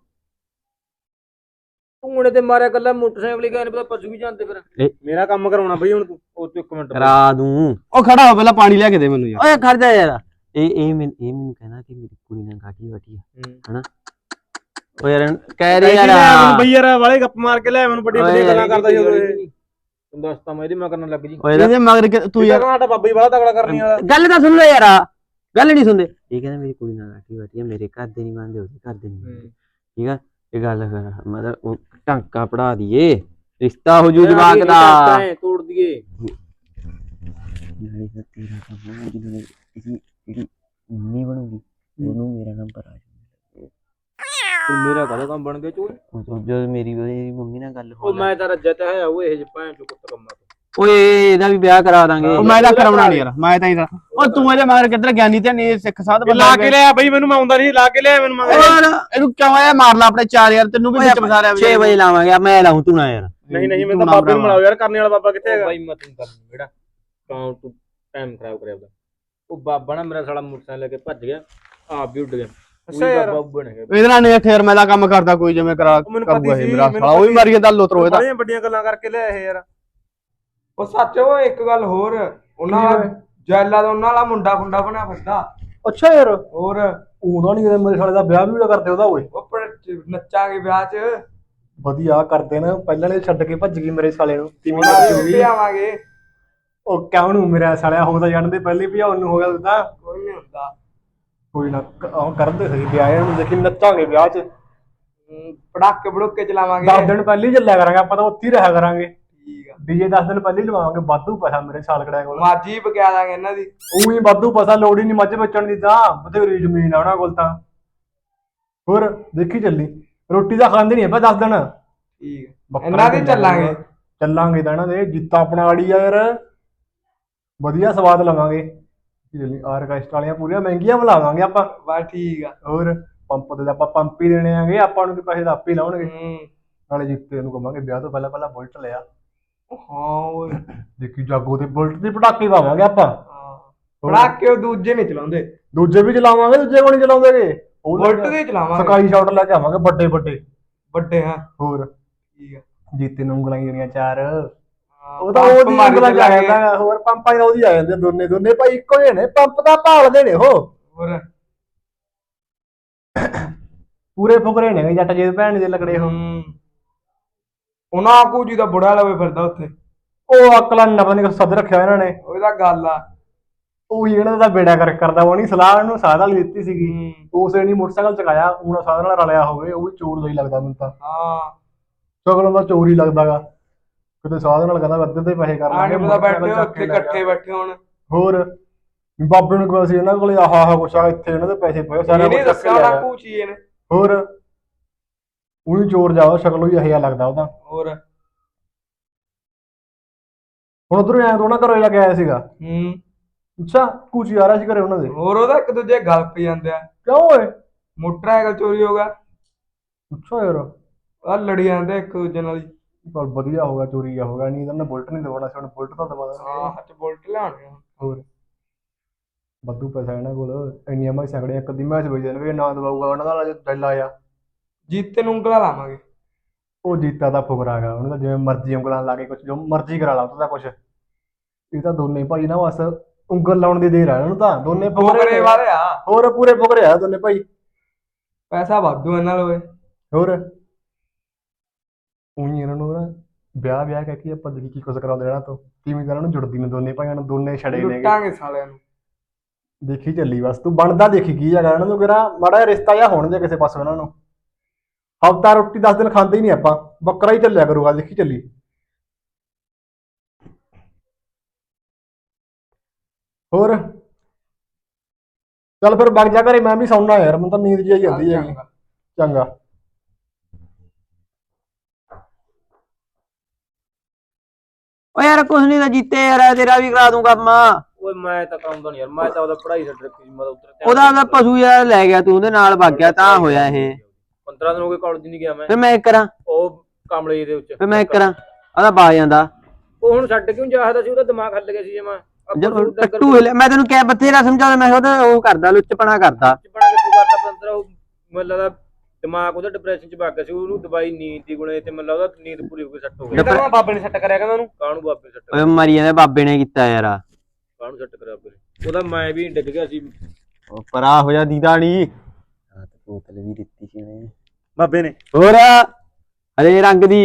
ਤੂੰ ਉਹਨੇ ਤੇ ਮਾਰਿਆ ਕੱਲਾ ਮੋਟਰਸਾਈਕਲ ਹੀ ਗਏ, ਪਤਾ ਪਸ਼ੂ ਵੀ ਜਾਂਦੇ ਫਿਰ।
ਮੇਰਾ ਕੰਮ ਕਰਾਉਣਾ ਬਈ ਹੁਣ ਤੂੰ।
ਉਹ ਤੂੰ ਇੱਕ ਮਿੰਟ
ਕਰਾ ਦੂੰ।
ਉਹ ਖੜਾ ਹੋ, ਪਹਿਲਾਂ ਪਾਣੀ ਲਿਆ ਕੇ ਦੇ ਮੈਨੂੰ ਯਾਰ।
ਓਏ ਖੜ ਜਾ ਯਾਰ, ਇਹ ਇਹ ਮੈਨੂੰ ਇਹ ਮੈਨੂੰ ਕਹਿੰਦਾ ਕਿ ਮੇਰੀ ਕੁੜੀ ਨਾਲ ਗਾਡੀ ਵਾਟੀ ਆ ਹਨਾ। ਓ ਯਾਰ ਕਹਿ ਰਹੀ ਯਾਰ
ਮੈਨੂੰ ਬਈ ਯਾਰ ਵਾਲੇ ਗੱਪ ਮਾਰ ਕੇ ਲੈ ਮੈਨੂੰ, ਵੱਡੀਆਂ ਵੱਡੀਆਂ ਗੱਲਾਂ ਕਰਦਾ ਜਦੋਂ ਇਹ।
ਤੂੰ ਦੱਸਤਾ ਮੈਂ ਇਹਦੀ ਮੈਂ ਕਰਨ ਲੱਗ ਜੀ।
ਇਹਦੇ ਮਗਰ ਕਿ- ਤੂੰ ਯਾਰ
ਸਾਡਾ ਬਾਬਾ ਹੀ ਬੜਾ ਤਗੜਾ ਕਰਨੀ ਵਾਲਾ।
ਗੱਲ ਤਾਂ ਸੁਣ ਲੈ ਯਾਰ, ਗੱਲ ਨਹੀਂ ਸੁਣਦੇ। ਇਹ ਕਹਿੰਦਾ ਮੇਰੀ ਕੁੜੀ ਨਾਲ ਗਾਡੀ ਵਾਟੀ ਆ, ਮੇਰੇ ਘਰ ਦੇ ਨਹੀਂ ਮੰਨਦੇ, ਉਹਦੇ ਘਰ ਦੇ ਨਹੀਂ ਮੰਨਦੇ, ਠੀਕ ਆ। ਇਹ ਗੱਲ ਕਰ ਮਤਲਬ ਉਹ ਟਾਂਕਾ ਪੜਾ ਦਈਏ, ਰਿਸ਼ਤਾ ਹੋ ਜੂ ਜਵਾਕ ਦਾ।
ਤੋੜ ਦਈਏ।
ਨਾਲੇ ਤਾਂ ਤੇਰਾ ਕੰਮ ਹੈ, ਜਦੋਂ ਇਹਦੀ ਜਿਹੜੀ ਮੰਮੀ ਬਣੂਗੀ ਉਹਨੂੰ ਮੇਰਾ ਨੰਬਰ ਆ ਜਾਊਗਾ।
ਤੂੰ ਮੇਰਾ ਕਾਹਦਾ ਕੰਮ ਬਣ ਗਿਆ ਚੋਰ?
ਜਦੋਂ ਮੇਰੀ ਉਹਦੀ ਮੰਮੀ ਨਾਲ ਗੱਲ
ਉਹ
ਹੋ
ਮੈਂ ਤਾਂ ਰੱਜਤ ਹੈ ਉਹ ਇਹ ਭੈਣ ਚੋ ਕੁੱਤ ਕੰਮਾਂ ਤੋਂ।
ਓਏ ਇਹਦਾ ਵੀ ਵਿਆਹ ਕਰਾ ਦਾਂਗੇ।
ਉਹ ਮੈਂ ਤਾਂ ਕਰਾਉਣਾ ਨਹੀਂ ਯਾਰ, ਮੈਂ ਤਾਂ ਹੀ ਉਹ ਤੂੰ ਇਹਦੇ ਮਗਰ ਕਿੱਧਰ ਗਿਆਨੀ ਤੇ ਨਹੀਂ ਸਿੱਖ ਸਾਧ ਬੰਦਾ
ਲਾ ਕੇ ਲਿਆ ਬਈ ਮੈਨੂੰ, ਮੈਂ ਆਉਂਦਾ ਨਹੀਂ, ਲਾ ਕੇ ਲਿਆ ਮੈਨੂੰ ਮਗਰ।
ਇਹਨੂੰ ਕਿਉਂ ਆਇਆ ਮਾਰ ਲਾ ਆਪਣੇ ਚਾਰ ਯਾਰ, ਤੈਨੂੰ ਵੀ ਵਿੱਚ ਫਸਾ ਰਿਹਾ।
ਛੇ ਵਜੇ ਲਾਵਾਂਗੇ, ਮੈਂ ਲਾਉਂ ਤੂੰ ਨਾ ਯਾਰ।
ਨਹੀਂ ਨਹੀਂ ਮੈਂ ਤਾਂ ਬਾਬੇ ਨੂੰ ਮਿਲਾਓ ਯਾਰ, ਕਰਨੇ ਵਾਲਾ ਬਾਬਾ ਕਿੱਥੇ ਹੈਗਾ?
ਬਾਈ ਮੈਂ ਤੈਨੂੰ ਕਰ ਜਿਹੜਾ ਕਾਉਂ ਤੂੰ ਟਾਈਮ ਖਰਾਬ ਕਰਿਆ ਉਹਦਾ। ਉਹ ਬਾਬਾ ਨਾ ਮੇਰਾ ਸਾਲਾ ਮੋਟਰਸਾਈਕਲ ਲੈ ਕੇ ਭੱਜ ਗਿਆ, ਆਪ ਵੀ ਉੱਡ ਗਿਆ।
ਅੱਛਾ ਯਾਰ।
ਬਾਬਾ ਬਣੇਗਾ
ਇਹਦੇ ਨਾਲ ਨਹੀਂ ਠੇਰ ਮੈਂ ਦਾ ਕੰਮ ਕਰਦਾ ਕੋਈ, ਜਿਵੇਂ ਕਰਾ
ਮੈਨੂੰ ਪਤਾ
ਕਰੂਗਾ
ਸੀ,
ਇਹ ਮੇਰਾ
ਮੈਨੂੰ
ਸਾਲਾ ਉਹ ਵੀ
ਪਤਾ
ਮਾਰੀ ਜਾਂਦਾ ਲੋਤਰੋ ਇਹਦਾ।
ਬੜੀਆਂ ਵੱਡੀਆਂ ਗੱਲਾਂ ਕਰਕੇ ਲਿਆ ਇਹ ਯਾਰ। ਉਹ ਸੱਚ, ਉਹ ਇੱਕ ਗੱਲ ਹੋਰ, ਉਹਨਾਂ ਦਾ ਜੈਲਾ ਦਾ ਉਹਨਾਂ ਵਾਲਾ ਮੁੰਡਾ ਖੁੰਡਾ ਬਣਿਆ ਫਿਰਦਾ।
ਅੱਛਾ ਯਾਰ,
ਹੋਰ
ਉਹਦਾ ਨਹੀਂ ਮੇਰੇ ਸਾਲੇ ਦਾ ਵਿਆਹ ਵੀ ਕਰਦੇ ਉਹਦਾ ਓਏ।
ਉਹ ਪਰ ਨੱਚਾਂਗੇ ਵਿਆਹ 'ਚ,
ਵਧੀਆ ਕਰਦੇ ਨਾ, ਪਹਿਲਾਂ ਨੇ ਛੱਡ ਕੇ ਭੱਜ ਗਈ ਮੇਰੇ ਸਾਲੇ ਨੂੰ। ਤੀਵੀਂ
ਉਹਨਾਂ ਦੇ
ਨੱਚੂਗੀ।
ਵੀ ਆਵਾਂਗੇ।
ਉਹ ਕਿਉਂ ਨੂੰ ਮੇਰਾ ਸਾਲਿਆ ਹੋ ਤਾਂ ਜਾਣਦੇ ਪਹਿਲੇ ਵੀ ਉਹਨੂੰ ਹੋ ਗਿਆ ਤਾਂ
ਕੋਈ ਨਹੀਂ ਹੁੰਦਾ।
ਕੋਈ ਨਾ, ਉਹ ਕਰਦੇ ਸਹੀ ਵਿਆਹ ਨੂੰ, ਦੇਖੀ ਨੱਚਾਂਗੇ ਵਿਆਹ 'ਚ।
ਹਮ, ਪੜਾਕੇ ਪੜੂਕੇ ਚਲਾਵਾਂਗੇ।
ਦਸ ਦਿਨ ਪਹਿਲੇ ਹੀ ਚੱਲਿਆ ਕਰਾਂਗੇ ਆਪਾਂ ਤਾਂ, ਉੱਥੇ ਹੀ ਰਿਹਾ ਕਰਾਂਗੇ।
ਠੀਕ ਆ।
ਡੀਜੇ ਦਸ ਦਿਨ ਪਹਿਲੇ ਹੀ ਲਵਾਵਾਂਗੇ, ਵਾਧੂ ਪੈਸਾ ਮੇਰੇ ਸਾਲ ਕੜਿਆ ਕੋਲ।
ਮਾਜੀ ਬਕਿਆ ਦਾਂਗੇ ਇਹਨਾਂ ਦੀ।
ਉਹੀ ਵਾਧੂ ਪੈਸਾ, ਲੋੜ ਹੀ ਨਹੀਂ ਮੱਝ ਵੇਚਣ ਦੀ, ਤਾਂ ਬਥੇਰੀ ਜ਼ਮੀਨ ਆ ਉਹਨਾਂ ਕੋਲ ਤਾਂ। ਹੋਰ ਦੇਖੀ ਚੱਲੀ, ਰੋਟੀ ਤਾਂ ਖਾਂਦੇ ਨਹੀਂ ਆਪਾਂ ਦਸ ਦਿਨ।
ਠੀਕ ਆ, ਇਹਨਾਂ ਦੀ ਚੱਲਾਂਗੇ।
ਚੱਲਾਂਗੇ ਤਾਂ ਇਹਨਾਂ ਦੇ, ਜਿੱਤਾ ਆਪਣਾ ਆੜੀ ਆ ਯਾਰ, ਵਧੀਆ ਸਵਾਦ ਲਵਾਂਗੇ। ਆਰਕੈਸਟਰਾ ਵਾਲੀਆਂ ਪੂਰੀਆਂ ਮਹਿੰਗੀਆਂ ਬੁਲਾਵਾਂਗੇ ਆਪਾਂ।
ਬਸ ਠੀਕ ਆ।
ਹੋਰ ਪੰਪ ਤੇ ਆਪਾਂ ਪੰਪ ਹੀ ਦੇਣੇ ਆਂਗੇ, ਆਪਾਂ ਨੂੰ ਕੀ ਪੈਸੇ ਤਾਂ ਆਪੇ ਲਾਉਣਗੇ।
ਹੂੰ।
ਨਾਲੇ ਜਿੱਤੇ ਨੂੰ ਕਹਾਂਗੇ ਵਿਆਹ ਤੋਂ ਪਹਿਲਾਂ ਪਹਿਲਾਂ ਬੁਲਟ ਲਿਆ।
ਹਾਂ ਓਏ।
ਦੇਖੀ ਜਾਗੋ ਤੇ ਬੁਲਟ ਦੇ ਪਟਾਕੇ ਪਾਵਾਂਗੇ ਆਪਾਂ।
ਹਾਂ, ਪੜਾਕੇ ਉਹ ਦੂਜੇ ਨਹੀਂ ਚਲਾਉਂਦੇ।
ਦੂਜੇ ਵੀ ਚਲਾਵਾਂਗੇ, ਦੂਜੇ ਕੋਲ ਨਹੀਂ ਚਲਾਉਂਦੇਗੇ। ਉਹ ਲੈ
ਬੁਲਟ
ਕੇ-
ਦੇ ਚਲਾਵਾਂਗੇ
ਸਕਾਈ ਸ਼ਾਟ ਲੈ ਕੇ ਆਵਾਂਗੇ ਵੱਡੇ ਵੱਡੇ
ਵੱਡੇ ਹਾਂ
ਹੋਰ
ਠੀਕ ਆ
ਜੀਤੇ ਨੂੰ ਉਂਗਲਾਂ ਜਿਹੜੀਆਂ ਚਾਰ
ਹਾਂ,
ਉਹ ਤਾਂ
ਪੰਪ
ਉਹਦੀ
ਮਾਰੀ
ਉਂਗਲਾਂ ਚ ਆ
ਚੱਲਾਂਗੇ।
ਜਾਂਦਾ ਹੋਰ ਪੰਪਾਂ ਨਾਲ ਉਹਦੀ ਆ ਜਾਂਦੇ ਦੋਨੇ ਦੋਨੇ ਭਾਈ ਇੱਕੋ ਜਿਹੇ ਨੇ ਪੰਪ ਦਾ ਭਾਲਦੇ ਨੇ ਉਹ
ਹੋਰ
ਪੂਰੇ ਫੁਕਰੇ ਨੇ ਜੱਟ ਜੇ ਭੈਣ ਦੇ ਲੱਗੜੇ ਉਹ
ਹੂੰ ਉਹਨਾਂ ਕੋ ਜੀ ਦਾ ਬੁੜਾ ਲਵੇ ਫਿਰਦਾ ਉੱਥੇ
ਉਹ ਅਕਲਾਂ ਨਾ ਪਤਾ ਨਹੀਂ ਸੱਦ ਰੱਖਿਆ ਇਹਨਾਂ ਨੇ
ਉਹਦਾ ਗੱਲ ਆ
ਉਹੀ ਇਹਨਾਂ ਦਾ ਬੇੜਾ ਕਰ ਕਰਦਾ ਉਹ ਨਹੀਂ ਸਲਾਹ ਇਹਨੂੰ ਸਾਧ ਵਾਲੀ ਦਿੱਤੀ ਸੀਗੀ
ਹੂੰ
ਉਸੇ ਨਹੀਂ ਮੋਟਰਸਾਈਕਲ ਚਕਾਇਆ ਹੁਣ ਸਾਧ ਨਾਲ ਰਲਿਆ ਹੋਵੇ ਉਹ ਵੀ ਚੋਰ ਜਿਹਾ ਹੀ ਲੱਗਦਾ ਮੈਨੂੰ ਤਾਂ
ਹਾਂ
ਸ਼ਕਲੋਂ ਦਾ ਚੋਰ ਹੀ ਲੱਗਦਾਗਾ ਕਿਤੇ ਸਾਧ ਨਾਲ ਕਹਿੰਦਾ ਅੱਧੇ ਤੇ ਪੈਸੇ ਕਰ
ਆਣੇ
ਲਾਂਗੇ
ਪਤਾ ਬੈਠੇ
ਮੋਟਰਸਾਈਕਲ ਚੱਕ
ਉੱਥੇ
ਕੇ ਲੈ
ਇਕੱਠੇ
ਗਿਆ।
ਬੈਠੇ ਹੁਣ
ਹੋਰ ਬਾਬੇ ਨੂੰ ਕਿਹਾ ਸੀ ਇਹਨਾਂ ਕੋਲੇ ਆਹ ਆਹ ਕੁਛ ਆ ਇੱਥੇ ਇਹਨਾਂ ਦੇ ਪੈਸੇ ਪਏ ਸਾਰਾ
ਇਹਨੇ
ਕੁਛ ਚੱਕ ਕੇ
ਦੱਸਿਆ
ਲੈ
ਹੋਣਾ
ਗਿਆ।
ਕੂਚੀ ਇਹਨੇ
ਹੋਰ ਉਹੀ ਚੋਰ ਜਾਓ ਸ਼ਕਲੋਂ ਹੀ ਇਹੋ ਜਿਹਾ ਲੱਗਦਾ ਉਹਦਾ
ਹੋਰ
ਹੁਣ ਉਧਰੋਂ ਐਂ ਤੋਂ ਨਾ ਘਰੋਂ ਜਾ ਕੇ ਆਇਆ ਸੀਗਾ
ਹੂੰ
ਅੱਛਾ ਕੂਚੀ ਆ ਰਿਹਾ ਸੀ ਘਰੇ ਉਹਨਾਂ ਦੇ
ਹੋਰ ਉਹਦਾ ਇੱਕ ਦੂਜੇ ਗੱਲ ਪਈ ਜਾਂਦੇ ਆ
ਕਿਉਂ ਓਏ
ਮੋਟਰਸਾਈਕਲ ਚੋਰੀ ਹੋ ਗਿਆ
ਅੱਛਾ ਯਾਰ
ਆ ਲੜੀ ਜਾਂਦੇ ਇੱਕ ਦੂਜੇ ਨਾਲ ਹੀ
ਪਰ ਵਧੀਆ ਹੋਗਾ ਚੋਰੀ ਆ ਹੋਗਾ ਨਹੀਂ ਤਾਂ ਉਹਨੇ ਬੁਲਟ ਨਹੀਂ ਦਵਾਉਣਾ ਸੀ ਹੁਣ ਬੁਲਟ ਤਾਂ ਦਵਾ ਦਾਂਗੇ
ਹਾਂ ਹੱਥ ਬੁਲਟ ਲਿਆਉਣੇ ਆ।
ਹੋਰ ਵਾਧੂ ਪੈਸਾ ਇਹਨਾਂ ਕੋਲ ਇੰਨੀਆਂ ਮੈਂ ਸਗੜੇ ਇੱਕ ਦੀ ਮੈਚ ਵੇਚ ਦੇਣਗੇ ਨਾ ਦਵਾਊਗਾ ਉਹਨਾਂ ਦਾ ਜੇ ਦਿਲ ਆਇਆ
ਜੀਤੇ ਨੂੰ ਉਂਗਲਾਂ ਲਾਵਾਂਗੇ
ਉਹ ਜੀਤਾ ਦਾ ਫੁਕਰਾ ਹੈਗਾ ਉਹਨੂੰ ਤਾਂ ਜਿਵੇਂ ਮਰਜ਼ੀ ਉਂਗਲਾਂ ਲਾ ਕੇ ਕੁਛ ਜੋ ਮਰਜ਼ੀ ਕਰਾ ਲਾ ਉਹਦਾ ਕੁਛ ਇਹ ਤਾਂ ਦੋਨੇ ਭਾਈ ਨਾ ਬਸ ਉਂਗਲ ਲਾਉਣ ਦੀ ਦੇਰ ਆ ਉਹਨੂੰ ਤਾਂ ਦੋਨੇ ਫੁਕਰੇ
ਫੁਕਰੇ
ਨੇ।
ਵਾਲੇ ਆ
ਹੋਰ ਪੂਰੇ ਫੁਕਰੇ ਆ ਦੋਨੇ ਭਾਈ
ਪੈਸਾ ਵਾਧੂ ਇਹਨਾਂ ਲਵੇ
ਹੋਰ ਉਹੀ ਇਹਨਾਂ ਨੂੰ ਨਾ ਵਿਆਹ ਵਿਆਹ ਕਹਿ ਕੇ ਆਪਾਂ ਦੇਖੀ ਕੀ ਕੁਛ ਕਰਾਉਂਦੇ ਇਹਨਾਂ ਤੋਂ ਕਿਵੇਂ ਤਾਂ ਇਹਨਾਂ ਨੂੰ ਜੁੜਦੀ ਨੇ ਦੋਨੇ ਭਾਈਆਂ ਨੂੰ ਦੋਨੇ ਛੜੇ ਨੇਗੇ
ਲੁੱਟਾਂਗੇ ਸਾਲਿਆਂ ਨੂੰ
ਦੇਖੀ ਚੱਲੀ ਬਸ ਤੂੰ ਬਣਦਾ ਦੇਖੀ ਕੀ ਹੈਗਾ ਇਹਨਾਂ ਨੂੰ ਕਿਹੜਾ ਮਾੜਾ ਜਿਹਾ ਰਿਸ਼ਤਾ ਜਾਂ ਹੋਣ ਦੇ ਕਿਸੇ ਪਾਸੋਂ ਇਹਨਾਂ ਨੂੰ ਹਫਤਾ ਰੋਟੀ ਦਸ ਦਿਨ ਖਾਂਦੇ ਹੀ ਨਹੀਂ ਆਪਾਂ ਬੱਕਰਾ ਹੀ ਚੱਲਿਆ ਕਰੂਗਾ ਦੇਖੀ ਚੱਲੀ ਹੋਰ ਚੱਲ ਫਿਰ ਵਗ ਜਾ ਘਰੇ ਮੈਂ ਵੀ ਸੌਣਾ ਯਾਰ ਮੈਨੂੰ ਤਾਂ ਨੀਂਦ ਜਿਹੀ ਆਈ ਜਾਂਦੀ ਹੈਗੀ ਚੰਗਾ
ਓ ਯਾਰ ਕੁਛ ਨਹੀਂ ਤਾਂ ਜੀਤੇ ਯਾਰ ਤੇਰਾ ਵੀ ਕਰਾ ਦੂੰ ਕੰਮ
ਓਏ ਮੈਂ ਤਾਂ ਕਰਾਉਂਦਾ ਨਹੀਂ ਯਾਰ ਮੈਂ ਤਾਂ ਉਹਦਾ ਪੜ੍ਹਾਈ ਛੱਡ ਰੱਖੀ ਸੀ ਮੈਂ ਤਾਂ ਉੱਧਰ
ਉਹਦਾ ਉਹਦਾ ਪਸ਼ੂ ਯਾਰ ਲੈ ਗਿਆ ਤੂੰ ਉਹਦੇ ਨਾਲ ਵਗ ਗਿਆ ਤਾਂ ਹੋਇਆ ਇਹ
ਪੰਦਰਾਂ ਦਿਨ ਹੋ ਗਏ ਕਾਲਜ ਨਹੀਂ ਗਿਆ ਮੈਂ
ਫਿਰ ਮੈਂ ਕਰਾਂ
ਉਹ ਕਾਮਲੇ ਦੇ ਉੱਚ
ਫਿਰ ਮੈਂ ਕਰਾਂ ਉਹਦਾ ਬਾ ਜਾਂਦਾ
ਉਹ ਹੁਣ ਛੱਡ ਕਿਉਂ ਜਾਹਦਾ ਸੀ ਉਹਦਾ ਦਿਮਾਗ ਹੱਲ ਗਿਆ ਸੀ ਜੇ ਮੈਂ
ਜਦੋਂ ਟੱਟੂ ਹਿੱਲਿਆ ਮੈਂ ਤੈਨੂੰ ਕਿਹਾ ਬਥੇਰਾ ਸਮਝਾਉਂਦਾ ਮੈਂ ਉਹਦਾ ਉਹ ਕਰਦਾ ਲੁੱਚਪਣਾ ਕਰਦਾ
ਬਣਾ ਕਿੱਥੋਂ ਕਰਦਾ ਪੰਦਰਾ ਉਹ ਮੈਨੂੰ ਲੱਗਦਾ ਦਿਮਾਗ ਉਹਦਾ ਡਿਪਰੈਸ਼ਨ ਚ ਵਗ ਗਿਆ ਸੀ ਉਹਨੂੰ ਦਵਾਈ ਨੀਂਦ ਦੀ ਗੁਣੇ ਤੇ ਮੈਨੂੰ ਲੱਗਦਾ ਨੀਂਦ ਪੂਰੀ ਹੋ ਕੇ ਸੈੱਟ ਹੋ ਗਿਆ
ਕਹਿੰਦਾ
ਬਾਬੇ ਨੇ ਸੈੱਟ ਕਰਿਆ ਕਹਿੰਦਾ ਉਹਨੂੰ ਕਾਹਨੂੰ ਬਾਬੇ ਨੇ ਸੈੱਟ
ਓਏ ਮਰੀ ਜਾਂਦੇ ਬਾਬੇ ਨੇ ਕੀਤਾ ਯਾਰ
ਕਾਹਨੂੰ ਸੈੱਟ ਕਰਿਆ ਬਾਬੇ ਨੇ ਉਹਦਾ ਮੈਂ ਵੀ ਡਿੱਗ ਗਿਆ ਸੀ
ਉਹ ਪਰਾ ਹੋ ਜਾ ਦੀਦਾ ਨੀ
ਹਾਂ ਤੇ ਬੋਤਲ ਵੀ ਦਿੱਤੀ ਸੀ ਉਹਨੇ
ਬਾਬੇ ਨੇ
ਹੋਰ ਹਰੇ ਰੰਗ ਦੀ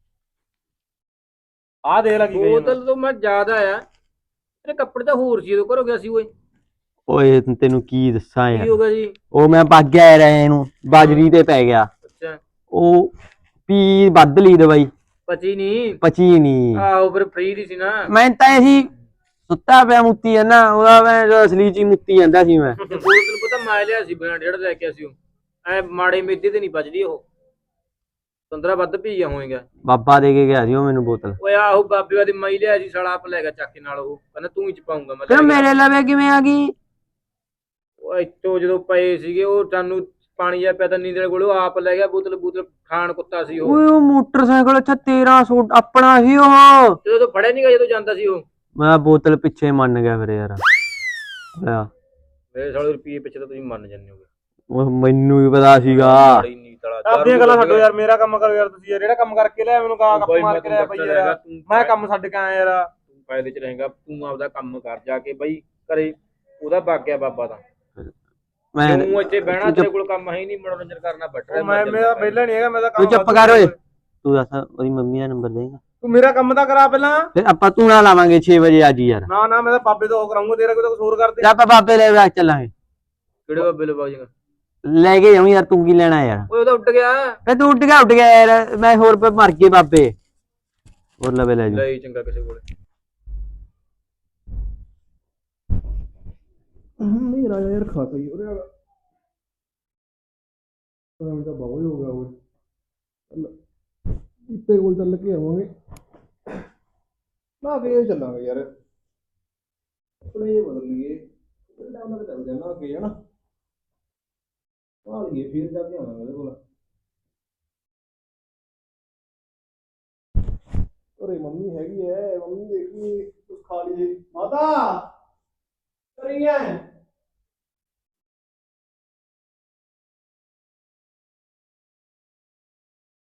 ਆਹ ਦੇਖ ਲੱਗੀ
ਬੋਤਲ ਤੋਂ ਮੈਂ ਜ਼ਿਆਦਾ ਆ ਤੇਰੇ ਕੱਪੜੇ ਤਾਂ ਹੋਰ ਸੀ ਉਦੋਂ ਘਰੋਂ ਗਿਆ ਸੀ ਓਏ
ਓਏ ਤੈਨੂੰ ਕੀ ਦੱਸਾਂ
ਕੀ
ਯਾਰ
ਹੋ ਗਿਆ ਜੀ
ਉਹ ਮੈਂ ਭੱਗ ਗਿਆ ਯਾਰ ਇਹਨੂੰ ਬਾਜਰੀ ਤੇ ਪੈ ਗਿਆ
ਅੱਛਾ
ਉਹ ਪੀ ਵੱਧ ਲਈ ਦਵਾਈ
ਪਚੀ ਨਹੀਂ
ਪਚੀ ਨਹੀਂ
ਆਹੋ ਫਿਰ ਫ੍ਰੀ ਦੀ ਸੀ ਨਾ
ਮੈਂ ਤਾਂ ਇਹੀ ਸੁੱਤਾ ਪਿਆ ਮੁੱਤੀ ਜਾਂਦਾ ਉਹਦਾ ਮੈਂ ਜੋ ਅਸਲੀ ਚ ਹੀ ਮੁੱਤੀ ਜਾਂਦਾ ਸੀ ਮੈਂ
ਤੇ ਬੋਤਲ ਤੈਨੂੰ ਪਤਾ ਮੈਂ ਲਿਆ ਸੀ ਬਿਨਾਂ ਡੇਢ ਲੈ ਕੇ ਆਇਆ ਸੀ ਉਹ ਐ ਮਾੜੇ ਮੇਦੇ ਤੇ ਨਹੀਂ ਬਚਦੀ ਉਹ ਪੰਦਰਾਂ ਵੱਧ ਪੀ ਗਿਆ ਹੋਏਗਾ
ਬਾਬਾ ਦੇ ਕੇ ਗਿਆ ਸੀ ਉਹ ਮੈਨੂੰ ਬੋਤਲ
ਓਏ ਆਹੋ ਬਾਬੇ ਵਾਦੀ ਮਾਈ ਲਿਆ ਸੀ ਸਾਲਾ ਆਪ ਲੈ ਗਿਆ ਚੱਕ ਕੇ ਨਾਲ ਉਹ ਕਹਿੰਦਾ ਤੂੰ ਹੀ ਚ ਪਾਉਂਗਾ ਮੈਂ
ਫਿਰ
ਲੈ ਗਿਆ।
ਮੇਰੇ ਲਵੇ ਕਿਵੇਂ ਆ ਗਈ
ਉਹ ਇੱਥੋਂ ਜਦੋਂ ਪਏ ਸੀਗੇ ਉਹ ਸਾਨੂੰ ਪਾਣੀ ਜਿਹਾ ਪਿਆ ਤਾਂ ਨੀਂਦਰ ਕੋਲ ਉਹ ਆਪ ਲੈ ਗਿਆ ਬੋਤਲ ਬੋਤਲ ਖਾਣ ਕੁੱਤਾ ਸੀ ਉਹ
ਓਏ ਉਹ ਮੋਟਰਸਾਈਕਲ ਅੱਛਾ ਤੇਰਾ ਸੌ ਆਪਣਾ ਸੀ ਉਹ
ਜਦੋਂ ਤੋਂ ਫੜਿਆ ਨਹੀਂ ਗਿਆ ਜਦੋਂ ਜਾਂਦਾ ਸੀ ਉਹ
ਮੈਂ ਬੋਤਲ ਪਿੱਛੇ ਮੰਨ ਗਿਆ ਫਿਰ ਯਾਰ ਲੈ
ਮੇਰੇ ਸਾਲੇ ਰੁਪਏ ਪਿੱਛੇ ਤਾਂ ਤੁਸੀਂ ਮੰਨ ਜਾਂਦੇ ਹੋਗੇ
ਉਹ ਮੈਨੂੰ ਵੀ ਪਤਾ ਸੀਗਾ
ਮਾੜੀ ਨੀਤ ਵਾਲਾ
ਆਪਣੀਆਂ ਗੱਲਾਂ ਛੱਡੋ ਯਾਰ ਮੇਰਾ ਕੰਮ ਕਰੋ ਯਾਰ ਤੁਸੀਂ ਯਾਰ ਜਿਹੜਾ ਕੰਮ ਕਰਕੇ ਲਿਆ ਮੈਨੂੰ ਕਾਂ ਕੱਪ ਮਾਰ ਕੇ ਲਿਆ ਬਈ ਯਾਰ ਮੈਂ ਕੰਮ ਛੱਡ ਕੇ ਆਇਆ ਯਾਰ
ਤੂੰ ਫਾਇਦੇ ਚ ਰਹੇਗਾ ਤੂੰ ਆਪਦਾ ਕੰਮ ਕਰ ਜਾ ਕੇ ਬਈ ਘਰੇ ਉਹਦਾ ਵਗ ਗਿਆ ਬਾਬਾ ਤਾਂ
ਮੈਂ
ਤੂੰ ਇੱਥੇ ਬਹਿਣਾ ਤੇਰੇ ਕੋਲ ਕੰਮ ਹੈ ਨਹੀਂ ਮਨੋਰੰਜਨ ਕਰਨਾ ਬੈਠ ਰਿਹਾ
ਮੈਂ ਮੇਰਾ ਵਿਹਲਾ ਨਹੀਂ ਹੈਗਾ ਮੈਂ ਤਾਂ
ਤੂੰ
ਕੰਮ
ਚੁੱਪ ਕਰ ਓਏ ਤੂੰ ਦੱਸ ਉਹਦੀ ਮੰਮੀ ਦਾ ਨੰਬਰ ਦੇਗਾ
ਤੂੰ ਮੇਰਾ ਕੰਮ ਤਾਂ ਕਰਾ ਪਹਿਲਾਂ
ਫਿਰ ਆਪਾਂ ਤੂੰ ਨਾ ਲਾਵਾਂਗੇ ਛੇ ਵਜੇ ਅੱਜ ਹੀ ਯਾਰ
ਨਾ ਨਾ ਮੈਂ ਤਾਂ ਬਾਬੇ ਤੋਂ ਉਹ ਕਰਾਉਂਗਾ ਤੇਰਾ ਕੋਈ ਤਾਂ ਕੁਝ ਹੋਰ ਕਰ ਦੇ
ਜਾਂ ਆਪਾਂ ਬਾਬੇ ਲੈ ਕੇ ਚੱਲਾਂਗੇ
ਕਿਹੜੇ ਬਾਬੇ ਲੋ ਬਾਜੀਗਾ
ਲੈ ਕੇ ਜਾਉਂ ਯਾਰ ਤੂੰ ਕੀ ਲੈਣਾ ਯਾਰ
ਓਏ ਉਹਦਾ ਉੱਡ ਗਿਆ
ਫੇ ਤੂੰ ਉੱਡ ਗਿਆ ਉੱਡ ਗਿਆ ਯਾਰ ਮੈਂ ਹੋਰ ਪੇ ਮਰ ਗਏ ਬਾਬੇ ਹੋਰ ਲਵੇ ਲੈ ਜੀ
ਲੈ ਹੀ ਚੰਗਾ ਕਿਸੇ ਕੋਲੇ
ਨਹੀਂ ਰਾਜਾ ਯਾਰ ਖਾ ਪਈ ਉਹਦੇ ਵਾਲਾ ਤਾਂ ਤਾਂ ਬਾਬਾ ਹੀ ਹੋ ਗਿਆ ਓਏ ਇੱਤੇ ਕੋਲ ਚੱਲ ਕੇ ਆਵਾਂਗੇ ਨਾ ਕੇ ਚੱਲਾਂਗੇ ਯਾਰ ਆਪਣੇ ਇਹ ਬਦਲ ਲਈਏ ਇਹਦਾ ਉਹਨਾਂ ਦੇ ਚੱਲਦੇ ਨਾ ਅੱਗੇ ਹਨਾ ਆ ਲਈਏ ਫਿਰ ਜਾ ਕੇ ਆਵਾਂਗੇ ਉਹਦੇ ਕੋਲ ਅਰੇ ਮੰਮੀ ਹੈਗੀ ਐ ਮੰਮੀ ਦੇਖੀ ਕੁਛ ਖਾ ਲਈਏ ਮਾਤਾ ਕਰੀਏ